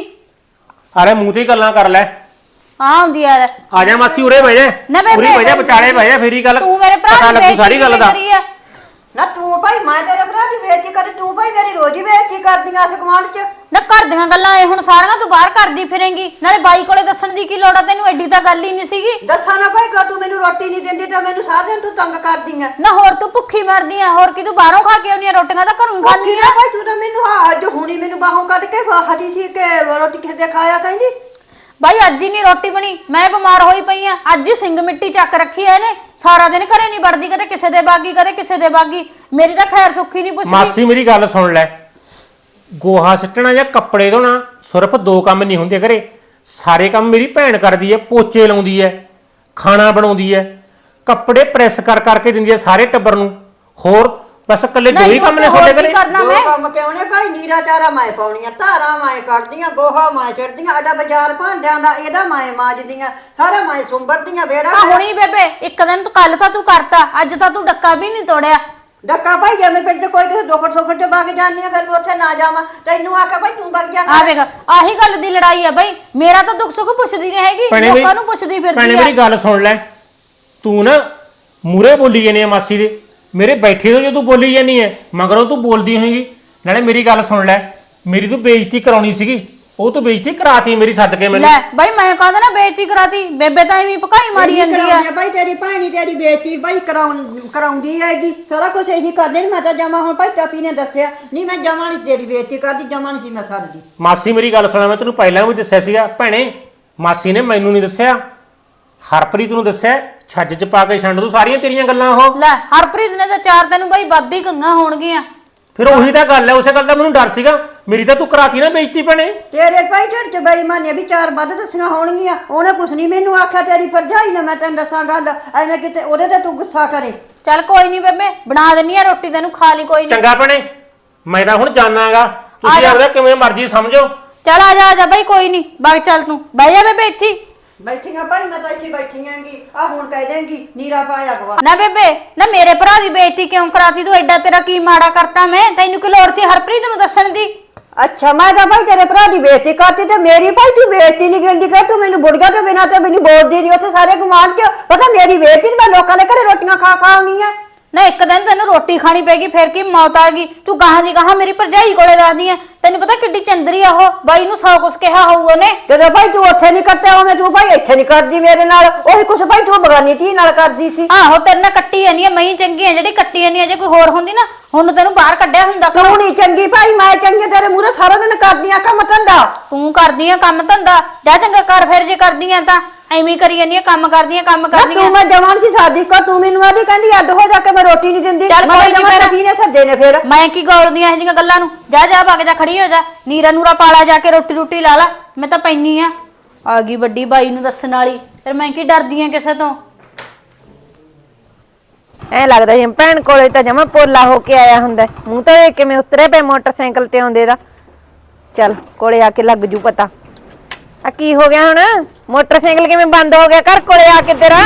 ਅਰੇ ਮੂੰਹ ਤੇ ਹੀ ਗੱਲਾਂ ਕਰ ਲੈ।
ਆ ਹੁੰਦੀ ਆ
ਆ ਜਾ ਮਾਸੀ ਉਰੇ ਬਹਿ ਜਾ
ਨਾ ਬੇਬੇ
ਉਰੇ ਬਹਿ ਜਾ ਵਿਚਾਲੇ ਬਹਿ ਜਾ ਫੇਰੀ ਗੱਲ
ਤੂੰ ਮੇਰੇ ਭਰਾ
ਪਤਾ
ਦੀ
ਲੱਗੂ ਸਾਰੀ ਗੱਲ ਦਾ।
ਕਰੀ ਆ।
ਨਾ ਤੂੰ ਭਾਈ ਮੈਂ ਤੇਰੇ ਭਰਾ ਦੀ ਬੇਇੱਜ਼ਤੀ ਕਰੀ ਤੂੰ ਭਾਈ ਮੇਰੀ ਰੋਜ਼ ਹੀ ਬੇਇੱਜ਼ਤੀ ਕਰਦੀਆਂ ਇਸ ਗੁਆਂਢ 'ਚ।
ਨਾ ਘਰ ਦੀਆਂ ਗੱਲਾਂ ਇਹ ਹੁਣ ਸਾਰੀਆਂ ਤੂੰ ਬਾਹਰ ਕਰਦੀ ਫਿਰੇਂਗੀ ਨਾਲੇ ਬਾਈ ਕੋਲੇ ਦੱਸਣ ਦੀ ਕੀ ਲੋੜ ਆ ਤੈਨੂੰ ਐਡੀ ਤਾਂ ਗੱਲ ਹੀ ਨਹੀਂ ਸੀਗੀ।
ਦੱਸਾਂ ਨਾ ਭਾਈ ਕਿ ਤੂੰ ਮੈਨੂੰ ਰੋਟੀ ਨਹੀਂ ਦਿੰਦੀ ਤਾਂ ਮੈਨੂੰ ਸਾਰਾ ਦਿਨ ਤੂੰ ਤੰਗ ਕਰਦੀ ਆ।
ਨਾ ਹੋਰ ਤੂੰ ਭੁੱਖੀ ਮਰਦੀ ਆ ਹੋਰ ਕੀ ਤੂੰ ਬਾਹਰੋਂ ਖਾ ਕੇ ਆਉਣੀ ਆ ਰੋਟੀਆਂ ਤਾਂ ਘਰੋਂ ਹੀ ਖਾਂਦੀ
ਖਾਂਦੀ
ਆ।
ਆ ਭਾਈ ਤੂੰ ਤਾਂ ਮੈਨੂੰ ਹਾਂ ਅੱਜ ਹੁਣੀ ਮੈਨੂੰ ਬਾਹੋਂ ਕੱਢ ਕੇ ਹਟੀ ਸੀ ਕਿ ਰੋਟੀ ਕਿਸੇ ਦੇ ਖਾਇਆ ਕਹਿੰਦੀ।
ਬਾਈ ਅੱਜ ਹੀ ਨਹੀਂ ਰੋਟੀ ਬਣੀ ਮੈਂ ਬਿਮਾਰ ਹੋਈ ਪਈ ਆ ਅੱਜ ਹੀ ਸਿੰਘ ਮਿੱਟੀ ਚੱਕ ਰੱਖੀ ਐ ਇਹਨੇ ਸਾਰਾ ਦਿਨ ਘਰੇ ਨਹੀਂ ਵੜਦੀ ਕਦੇ ਕਿਸੇ ਦੇ ਬਾਗੀ ਕਦੇ ਕਿਸੇ ਦੇ ਬਾਗੀ ਮੇਰੀ ਤਾਂ ਖੈਰ ਸੁੱਖੀ ਨਹੀਂ ਪੁੱਛਦੀ।
ਮਾਸੀ ਮੇਰੀ ਗੱਲ ਸੁਣ ਲੈ ਗੋਹਾ ਸਿੱਟਣਾ ਜਾਂ ਕੱਪੜੇ ਧੋਣਾ ਸਿਰਫ ਦੋ ਕੰਮ ਨਹੀਂ ਹੁੰਦੇ ਘਰੇ ਸਾਰੇ ਕੰਮ ਮੇਰੀ ਭੈਣ ਕਰਦੀ ਹੈ ਪੋਚੇ ਲਾਉਂਦੀ ਹੈ ਖਾਣਾ ਬਣਾਉਂਦੀ ਹੈ ਕੱਪੜੇ ਪ੍ਰੈਸ ਕਰ ਕਰਕੇ ਦਿੰਦੀ ਹੈ ਸਾਰੇ ਟੱਬਰ ਨੂੰ। ਹੋਰ ਬਸ ਇਕੱਲੇ ਦੋ ਹੀ ਕੰਮ ਨੇ ਤੁਹਾਡੇ ਘਰੇ।
ਕਰਨਾ
ਦੋ
ਮੈਂ
ਕੰਮ ਕਿਉਂ ਨੇ ਭਾਈ ਨੀਰਾ ਚਾਰਾ ਮੈਂ ਪਾਉਣੀਆਂ ਧਾਰਾਂ ਮੈਂ ਕੱਢਦੀਆਂ ਗੋਹਾ ਮੈਂ ਚੜਦੀਆਂ ਆਡਾ ਬਾਜ਼ਾਰ ਭਾਂਡਿਆਂ ਦਾ ਇਹਦਾ ਮੈਂ ਮਾਜਦੀਆਂ ਸਾਰਾ ਮੈਂ ਸੁੰਬਰਦੀਆਂ ਵੇੜਾ
ਆ ਹੁਣੀ ਬੇਬੇ ਇੱਕ ਦਿਨ ਤੂੰ ਕੱਲ ਤਾਂ ਤੂੰ ਕਰਤਾ ਅੱਜ ਤਾਂ ਤੂੰ ਡੱਕਾ ਵੀ ਨਹੀਂ ਤੋੜਿਆ।
ਡੱਕਾ ਭਾਈ ਜਿਵੇਂ ਪਿੰਡ 'ਚ ਕੋਈ ਕਿਸੇ ਦੁੱਖ ਸੁੱਖ 'ਚ ਵਗ ਜਾਂਦੀ ਆ ਫਿਰ ਮੈਂ ਉੱਥੇ ਨਾ ਜਾਵਾਂ ਤੈਨੂੰ ਆਖਿਆ ਭਾਈ ਤੂੰ ਵਗ ਜਾ
ਆ ਵੇਖ ਆਹੀ ਗੱਲ ਦੀ ਲੜਾਈ ਆ ਬਾਈ ਮੇਰਾ ਤਾਂ ਦੁੱਖ ਸੁੱਖ ਪੁੱਛਦੀ ਨਹੀਂ ਹੈਗੀ
ਭੈਣੇ ਮੇਰੀ-
ਲੋਕਾਂ ਨੂੰ ਪੁੱਛਦੀ
ਭੈਣੇ
ਫਿਰਦੀ
ਮੇਰੀ
ਆ।
ਗੱਲ ਸੁਣ ਲੈ ਤੂੰ ਨਾ ਮੂਰੇ ਬੋਲੀ ਜਾਨੀ ਆ ਮਾਸੀ ਦੇ ਮੇਰੇ ਬੈਠੇ ਤੋਂ ਜੇ ਤੂੰ ਬੋਲੀ ਜਾਨੀ ਹੈ ਮਗਰੋਂ ਤੂੰ ਬੋਲਦੀ ਹੋਏਗੀ। ਨਾਲੇ ਮੇਰੀ ਗੱਲ ਸੁਣ ਲੈ ਮੇਰੀ ਤੂੰ ਬੇਇੱਜ਼ਤੀ ਕਰਾਉਣੀ ਸੀਗੀ ਉਹ ਤੂੰ ਬੇਇੱਜ਼ਤੀ ਕਰਾਤੀ ਮੇਰੀ ਸੱਦ ਕੇ ਮੈਨੂੰ।
ਲੈ ਬਾਈ ਮੈਂ ਕਹਿੰਦਾ ਨਾ ਬੇਇੱਜ਼ਤੀ ਕਰਾਤੀ ਬੇਬੇ ਤਾਂ ਐਵੇਂ ਭਕਾਈ ਮਾਰੀ ਜਾਂਦੀ ਆ।
ਭਾਈ ਤੇਰੀ ਭੈਣੀ ਤੇਰੀ ਬੇਇੱਜ਼ਤੀ ਭਾਈ ਕਰਾਉਣ ਕਰਾਉਂਦੀ ਹੈਗੀ ਸਾਰਾ ਕੁਝ ਇਹੀ ਕਰਦੇ ਨੇ ਮੈਂ ਤਾਂ ਜਮਾ ਹੁਣ ਭਾਈ ਚਾਪੀ ਨੇ ਦੱਸਿਆ ਨਹੀਂ ਮੈਂ ਜਮਾ ਨਹੀਂ ਤੇਰੀ ਬੇਇੱਜ਼ਤੀ ਕਰਦੀ ਜਮਾ ਨਹੀਂ ਸੀ ਮੈਂ ਸੱਦਦੀ।
ਮਾਸੀ ਮੇਰੀ ਗੱਲ ਸੁਣਾ ਮੈਂ ਤੈਨੂੰ ਪਹਿਲਾਂ ਵੀ ਦੱਸਿਆ ਸੀਗਾ ਭੈਣੇ ਮਾਸੀ ਨੇ ਮੈਨੂੰ ਨਹੀਂ ਦੱਸਿਆ ਹਰਪ੍ਰੀਤ ਨੂੰ ਦੱਸਿਆ ਛੱਜ ਚ ਪਾ ਕੇ ਛੰਡ ਦੂ ਸਾਰੀਆਂ ਤੇਰੀਆਂ ਗੱਲਾਂ ਉਹ।
ਲੈ ਹਰਪ੍ਰੀਤ ਨੇ ਤਾਂ ਚਾਰ ਤੈਨੂੰ ਬਾਈ ਵੱਧ ਹੀ ਕੰਗਾ ਹੋਣਗੀਆਂ।
ਫਿਰ ਉਹੀ ਤਾਂ ਗੱਲ ਹੈ ਉਸੇ ਗੱਲ ਦਾ ਮੈਨੂੰ ਡਰ ਸੀਗਾ ਮੇਰੀ ਤਾਂ ਤੂੰ ਕਰਾਤੀ ਨਾ ਬੇਇੱਜ਼ਤੀ ਭੈਣੇ।
ਤੇਰੇ ਭਾਈ ਢਿੱਡ 'ਚ ਬੇਈਮਾਨੀ ਵੀ ਚਾਰ ਵੱਧ ਦੱਸੀਆਂ ਹੋਣਗੀਆਂ ਉਹਨੇ ਕੁਛ ਨਹੀਂ ਮੈਨੂੰ ਆਖਿਆ ਤੇਰੀ ਭਰਜਾਈ ਨੇ ਮੈਂ ਤੈਨੂੰ ਦੱਸਾਂ ਗੱਲ ਐਵੇਂ ਕਿਤੇ ਉਹਦੇ ਤੇ ਤੂੰ ਗੁੱਸਾ ਕਰੇ।
ਚੱਲ ਕੋਈ ਨਹੀਂ ਬੇਬੇ ਬਣਾ ਦਿੰਨੀ ਆ ਰੋਟੀ ਤੈਨੂੰ ਖਾ ਲਈ ਕੋਈ ਨਹੀਂ।
ਚੰਗਾ ਭੈਣੇ ਮੈਂ ਤਾਂ ਹੁਣ ਜਾਣਾਗਾ ਤੁਸੀਂ
ਜਾ।
ਆਪਦਾ ਕਿਵੇਂ ਮਰਜ਼ੀ ਸਮਝੋ।
ਚੱਲ ਆ ਜਾ ਆ ਜਾ ਬਾਈ ਕੋਈ ਨਹੀਂ ਬਾਗ ਚੱਲ ਤੂੰ ਬਹਿ ਜਾ ਬੇਬੇ ਇੱਥੇ ਹੀ।
ਬੈਠੀਆਂ ਭਾਈ ਮੈਂ ਤਾਂ ਇੱਥੇ ਬੈਠੀ ਆਂਗੀ ਆ ਹੁਣ ਕਹਿ ਦੇਂਗੀ ਨੀਰਾ ਪਾਇਆ ਗਵਾ।
ਨਾ ਬੇਬੇ ਨਾ ਮੇਰੇ ਭਰਾ ਦੀ ਬੇਇੱਜ਼ਤੀ ਕਿਉਂ ਕਰਾਤੀ ਤੂੰ ਐਡਾ ਤੇਰਾ ਕੀ ਮਾੜਾ ਕਰਤਾ ਮੈਂ ਤੈਨੂੰ ਕੀ ਲੋੜ ਸੀ ਹਰਪ੍ਰੀਤ ਨੂੰ ਦੱਸਣ ਦੀ।
ਅੱਛਾ ਮੈਂ ਤਾਂ ਭਾਈ ਤੇਰੇ ਭਰਾ ਦੀ ਬੇਇੱਜ਼ਤੀ ਕਰਤੀ ਤੇ ਮੇਰੀ ਭਾਈ ਤੂੰ ਬੇਇੱਜ਼ਤੀ ਨਹੀਂ ਗਿਣਦੀ ਕਰ ਤੂੰ ਮੈਨੂੰ ਬੁੜਗਾ ਤੋਂ ਬਿਨਾਂ ਤੇ ਮੈਨੂੰ ਬੋਲਦੀ ਨਹੀਂ ਉੱਥੇ ਸਾਰੇ ਗੁਆਂਢ 'ਚ ਪਤਾ ਮੇਰੀ ਬੇਇੱਜ਼ਤੀ ਨੀ ਮੈਂ ਲੋਕਾਂ ਦੇ ਘਰੇ ਰੋਟੀਆਂ ਖਾ ਖਾ ਆਉਣੀ ਆ।
ਨਾ ਇੱਕ ਦਿਨ ਤੈਨੂੰ ਰੋਟੀ ਖਾਣੀ ਪੈਗੀ ਫਿਰ ਕੀ ਮੌਤ ਆ ਗਈ ਤੂੰ ਗਾਹਾਂ ਦੀ ਗਾਹਾਂ ਮੇਰੀ ਭਰਜਾਈ ਕੋਲੇ ਦੱਸਦੀ ਆ ਤੈਨੂੰ ਪਤਾ ਕਿੱਡੀ ਚੰਦਰੀ ਆ ਉਹ ਬਾਈ ਨੂੰ ਸੌ ਕੁਛ ਕਿਹਾ ਹੋਊ ਉਹਨੇ।
ਤੇ ਭਾਈ ਤੂੰ ਉੱਥੇ ਨਹੀਂ ਕੱਟਿਆ ਉਹਨੇ ਤੂੰ ਭਾਈ ਇੱਥੇ ਨਹੀਂ ਕਰਦੀ ਮੇਰੇ ਨਾਲ ਉਹੀ ਕੁਛ ਭਾਈ ਤੂੰ ਬਗਾਨੀ ਧੀ ਨਾਲ ਕਰਦੀ ਸੀ।
ਆਹੋ ਤੇਰੇ ਨਾਲ ਕੱਟੀ ਜਾਨੀ ਆ ਮੈਂ ਚੰਗੀ ਆ ਜਿਹੜੀ ਕੱਟੀ ਜਾਨੀ ਆ ਜੇ ਕੋਈ ਹੋਰ ਹੁੰਦੀ ਨਾ ਹੁਣ ਤੈਨੂੰ ਬਾਹਰ ਕੱਢਿਆ ਹੁੰਦਾ ਘਰੋਂ।
ਤੂੰ ਨਹੀਂ ਚੰਗੀ ਭਾਈ ਮੈਂ ਚੰਗੀ ਤੇਰੇ ਮੂਹਰੇ ਸਾਰਾ ਦਿਨ ਕਰਦੀ ਆ ਕੰਮ ਧੰਦਾ।
ਤੂੰ ਕਰਦੀ ਆ ਕੰਮ ਧੰਦਾ ਜਾ ਚੰਗਾ ਕਰ ਫਿਰ ਜੇ ਕਰਦੀ ਆ ਤਾਂ ਐਵੇਂ ਹੀ ਕਰੀ ਜਾਨੀ ਆ ਕੰਮ ਕਰਦੀ ਆ ਕੰਮ
ਨਾ
ਕਰਦੀ
ਤੂੰ
ਆ।
ਮੈਂ ਜਵਾਨ ਸੀ ਸਾਦੀ ਕਾ ਤੂੰ ਮੈਨੂੰ ਆਦੀ ਕਹਿੰਦੀ ਅੱਡ ਹੋ ਜਾ ਕੇ ਮੈਂ ਰੋਟੀ ਨਹੀਂ ਦਿੰਦੀ
ਚੱਲ
ਮੈਂ
ਕੋਈ ਨੀ
ਜਵਾਨ
ਫਿਰ।
ਕੀ ਨੇ ਸੱਦੇ ਨੇ ਫਿਰ।
ਮੈਂ ਕੀ ਗੋਲਦੀ ਆ ਇਹ ਜਿਹੀਆਂ ਗੱਲਾਂ ਨੂੰ ਜਾ ਜਾ ਭੱਗ ਜਾ ਖੜੀ ਹੋ ਜਾ ਨੀਰਾ ਨੂਰਾ ਪਾਲਾ ਜਾ ਕੇ ਰੋਟੀ ਰੋਟੀ ਲਾ ਲਾ ਮੈਂ ਤਾਂ ਪੈਣੀ ਆ ਆ ਗਈ ਵੱਡੀ ਬਾਈ ਨੂੰ ਦੱਸਣ ਵਾਲੀ ਫਿਰ ਮੈਂ ਕੀ ਡਰਦੀ ਆ ਕਿਸੇ ਤੋਂ।
ਐ ਲੱਗਦਾ ਜਿਵੇਂ ਭੈਣ ਕੋਲੇ ਤਾਂ ਜਮਾ ਪੋਲਾ ਹੋ ਕੇ ਆਇਆ ਹੁੰਦਾ ਹੈ। ਮੂੰਹ ਤਾਂ ਵੇਖ ਕਿਵੇਂ ਉਤਰੇ ਪਏ ਮੋਟਰਸਾਈਕਲ ਤੇ ਆਉਂਦੇ ਦਾ। ਚੱਲ ਕੋਲੇ ਆ ਕੇ ਲੱਗ ਜੂ ਪਤਾ ਆ ਕੀ ਹੋ ਗਿਆ ਹੁਣ। ਮੋਟਰਸਾਈਕਲ ਕਿਵੇਂ ਬੰਦ ਹੋ ਗਿਆ ਘਰ ਕੋਲੇ ਆ ਕੇ ਤੇਰਾ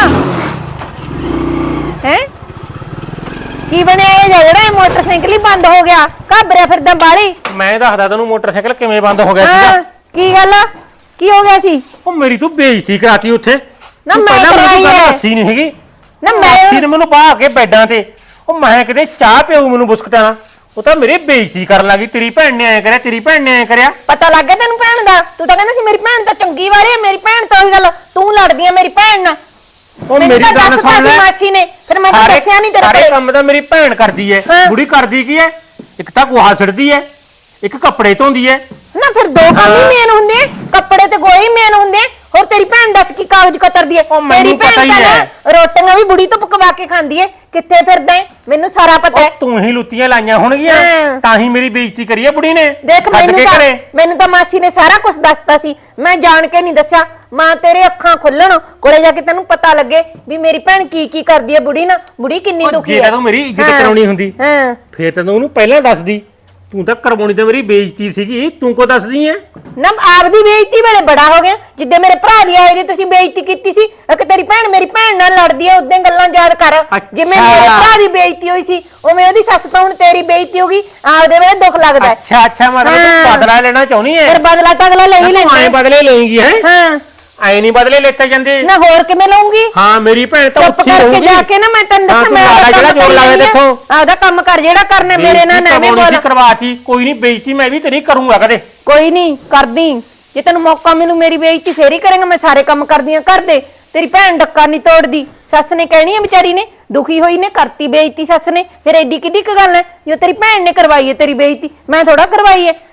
ਹੈ? ਕੀ ਬਣਿਆ ਇਹ ਜਿਹੜਾ ਇਹ ਮੋਟਰਸਾਈਕਲ ਹੀ ਬੰਦ ਹੋ ਗਿਆ? ਘਾਬਰਿਆ ਫਿਰਦਾ ਬਾੜੀ।
ਮੈਂ ਦੱਸਦਾ ਤੈਨੂੰ ਮੋਟਰਸਾਈਕਲ ਕਿਵੇਂ ਬੰਦ ਹੋ ਗਿਆ
ਹਾਂ
ਸੀਗਾ।
ਕੀ ਗੱਲ ਆ? ਕੀ ਹੋ ਗਿਆ ਸੀ?
ਉਹ ਮੇਰੀ ਤੂੰ ਬੇਇੱਜ਼ਤੀ ਕਰਾਤੀ ਉੱਥੇ।
ਨਾ
ਤੂੰ
ਮੈਂ
ਪਹਿਲਾਂ ਮੈਨੂੰ
ਕਰਵਾਈ
ਗੱਲ
ਐ।
ਦੱਸੀ ਨਹੀਂ ਹੈਗੀ।
ਨਾ ਮੈਂ
ਮਾਸੀ ਨੇ ਮੈਨੂੰ ਬਾਹ ਕੇ ਬੈਡਾਂ ਤੇ ਉਹ ਮੈਂ ਕਿਤੇ ਚਾਹ ਪਿਉ ਮੈਨੂੰ ਬੁਸਕਟਾਂ ਨਾਲ। ਉਹ ਤਾਂ ਮੇਰੀ ਬੇਇੱਜ਼ਤੀ ਕਰਨ ਲੱਗੀ। ਤੇਰੀ ਭੈਣ ਨੇ ਐ ਕਰਿਆ, ਤੇਰੀ ਭੈਣ ਨੇ ਐ ਕਰਿਆ।
ਪਤਾ ਲੱਗ ਗਿਆ ਤੈਨੂੰ ਭੈਣ ਦਾ? ਤੂੰ ਤਾਂ ਕਹਿੰਦਾ ਸੀ ਮੇਰੀ ਭੈਣ ਤਾਂ ਚੰਗੀ ਵਾਰੀ ਹੈ। ਮੇਰੀ ਭੈਣ ਤਾਂ ਉਹੀ ਗੱਲ ਤੂੰ ਲੜਦੀ ਆ ਮੇਰੀ ਭੈਣ ਨਾਲ।
ਉਹ
ਮੈਨੂੰ
ਮੇਰੀ
ਤਾਂ
ਗੱਲ
ਦੱਸਤਾ
ਸੁਣ
ਸੀ
ਲੈ।
ਮਾਸੀ ਨੇ ਫਿਰ ਮੈਂ ਤਾਂ
ਸਾਰੇ-
ਦੱਸਿਆ ਨਹੀਂ ਤੇਰੇ
ਸਾਰੇ
ਕੋਲ।
ਕੰਮ ਤਾਂ ਮੇਰੀ ਭੈਣ ਕਰਦੀ ਐ।
ਹਾਂ।
ਬੁੜੀ ਕਰਦੀ ਕੀ ਐ? ਇੱਕ ਤਾਂ ਗੋਹਾ ਸਿੱਟਦੀ ਐ, ਇੱਕ ਕੱਪੜੇ ਧੋਂਦੀ ਐ।
ਨਾ ਫਿਰ ਦੋ ਕੰਮ ਹੀ ਮੇਨ ਹੁੰਦੇ ਆ, ਕੱਪੜੇ ਤੇ ਗੋਹੇ ਹੀ ਮੇਨ ਹੁੰਦੇ ਆ। ਹੋਰ ਤੇਰੀ ਭੈਣ ਦੱਸ ਕੀ ਕਾਗਜ਼ ਕਤਰਦੀ ਐ?
ਉਹ ਮੈਨੂੰ
ਤੇਰੀ ਭੈਣ
ਪਤਾ ਹੀ
ਤਾਂ ਨਾ
ਹੈ।
ਰੋਟੀਆਂ ਵੀ ਬੁੜੀ ਤੋਂ ਪਕਵਾ ਕੇ ਖਾਂਦੀ ਐ। ਕਿੱਥੇ ਫਿਰਦਾ ਐ ਮੈਨੂੰ ਸਾਰਾ ਪਤਾ
ਉਹ
ਹੈ।
ਤੂੰ ਹੀ ਲੁੱਤੀਆਂ ਲਾਈਆਂ ਹੋਣਗੀਆਂ
ਹਾਂ।
ਤਾਂ ਹੀ ਮੇਰੀ ਬੇਇੱਜ਼ਤੀ ਕਰੀ ਐ ਬੁੜੀ ਨੇ।
ਦੇਖ
ਛੱਡ
ਮੈਨੂੰ
ਕੇ
ਤਾਂ
ਘਰੇ।
ਮੈਨੂੰ ਤਾਂ ਮਾਸੀ ਨੇ ਸਾਰਾ ਕੁਝ ਦੱਸਤਾ ਸੀ। ਮੈਂ ਜਾਣ ਕੇ ਨਹੀਂ ਦੱਸਿਆ। ਮਾਂ ਤੇਰੇ ਅੱਖਾਂ ਖੁੱਲਣ ਕੋਲੇ ਜਾ ਕੇ ਤੈਨੂੰ ਪਤਾ ਲੱਗੇ ਵੀ ਮੇਰੀ ਭੈਣ ਕੀ ਕੀ ਕਰਦੀ ਐ ਬੁੜੀ ਨਾਲ। ਬੁੜੀ ਕਿੰਨੀ
ਉਹ
ਦੁਖੀ
ਜੇ
ਐ।
ਤਾਂ ਤੂੰ ਮੇਰੀ ਇੱਜ਼ਤ
ਹਾਂ।
ਕਰਾਉਣੀ ਹੁੰਦੀ
ਹਾਂ
ਫੇਰ ਤੈਨੂੰ ਉਹਨੂੰ ਪਹਿਲਾਂ ਦੱਸਦੀ। ਤੂੰ ਤਾਂ ਕਰਵਾਉਣੀ ਤੇ ਮੇਰੀ ਬੇਇੱਜ਼ਤੀ ਸੀਗੀ, ਤੂੰ ਕੋ ਦੱਸਦੀ ਐ?
ਨਾ ਆਪਦੀ ਬੇਇੱਜ਼ਤੀ ਵੇਲੇ ਬੜਾ ਹੋ ਗਿਆ। ਜਿੱਦੇ ਮੇਰੇ ਭਰਾ ਦੀ ਆਈ ਦੀ ਤੁਸੀਂ ਬੇਇੱਜ਼ਤੀ ਕੀਤੀ ਸੀ ਕਿ ਤੇਰੀ ਭੈਣ ਮੇਰੀ ਭੈਣ ਨਾਲ ਲੜਦੀ ਐ। ਉਦੋਂ ਗੱਲਾਂ ਯਾਦ ਕਰ। ਜਿਵੇਂ
ਅੱਛਾ।
ਮੇਰੇ ਭਰਾ ਦੀ ਬੇਇੱਜ਼ਤੀ ਹੋਈ ਸੀ ਉਵੇਂ ਉਹਦੀ ਸੱਸ ਤੋਂ ਹੁਣ ਤੇਰੀ ਬੇਇੱਜ਼ਤੀ ਹੋ ਗਈ। ਆਪਦੇ ਵੇਲੇ ਦੁੱਖ ਲੱਗਦਾ ਹੈ।
ਅੱਛਾ ਅੱਛਾ ਮਤਲਬ
ਹਾਂ।
ਤੂੰ ਬਦਲਾ ਲੈਣਾ ਚਾਹੁੰਦੀ ਐ।
ਫਿਰ ਬਦਲਾ ਤਾਂ ਅਗਲਾ ਲੈ ਹੀ
ਤੂੰ
ਲੈਂਦਾ
ਐਂ
ਹੈ।
ਬਦਲੇ ਲਏਂਗੀ ਹੈ?
ਹਾਂ
ਐ ਨਹੀਂ ਬਦਲੇ ਲੈਤੇ ਜਾਂਦੇ।
ਨਾ ਹੋਰ ਕਿਵੇਂ ਲਊਂਗੀ?
ਹਾਂ ਮੇਰੀ ਭੈਣ ਤਾਂ
ਚੁੱਪ
ਉੱਥੇ
ਕਰਕੇ
ਰਹੂਗੀ।
ਜਾ ਕੇ ਨਾ ਮੈਂ ਤੈਨੂੰ
ਹਾਂ,
ਦੱਸਾਂ
ਤੂੰ
ਮੈਂ
ਮਾੜਾ
ਆਪਦਾ
ਜਿਹੜਾ
ਕੰਮ
ਜ਼ੋਰ
ਕਰ
ਲਾਇਆ
ਲੈਂਦੀ ਆ।
ਦੇਖੋ।
ਆਪਦਾ ਕੰਮ ਕਰ ਜਿਹੜਾ ਕਰਨਾ ਮੇਰੇ ਨਾਲ ਨਾ ਐਵੇਂ ਬੋਲ।
ਕਰਵਾਤੀ ਕੋਈ ਨਹੀਂ, ਬੇਇੱਜ਼ਤੀ ਮੈਂ ਵੀ ਤੇਰੀ ਕਰੂੰਗਾ ਕਦੇ।
ਕੋਈ ਨਹੀਂ ਕਰਦੀ। ਜੇ ਤੈਨੂੰ ਮੌਕਾ ਮਿਲੂ ਮੇਰੀ ਬੇਇੱਜ਼ਤੀ ਫੇਰ ਹੀ ਕਰਾਂਗਾ। ਮੈਂ ਸਾਰੇ ਕੰਮ ਕਰਦੀ ਆ ਘਰ ਦੇ। ਤੇਰੀ ਭੈਣ ਡੱਕਾ ਨਹੀਂ ਤੋੜਦੀ। ਸੱਸ ਨੇ ਕਹਿਣੀ ਆ ਵਿਚਾਰੀ ਨੇ ਦੁਖੀ ਹੋਈ ਨੇ ਕਰਤੀ ਬੇਇੱਜ਼ਤੀ ਸੱਸ ਨੇ। ਫਿਰ ਐਡੀ ਕਿੱਡੀ ਕੁ ਗੱਲ ਹੈ ਜੋ ਤੇਰੀ ਭੈਣ ਨੇ ਕਰਵਾਈ ਹੈ ਤੇਰੀ ਬੇਇੱਜ਼ਤੀ। ਮੈਂ ਥੋੜਾ ਕਰਵਾਈ ਹੈ।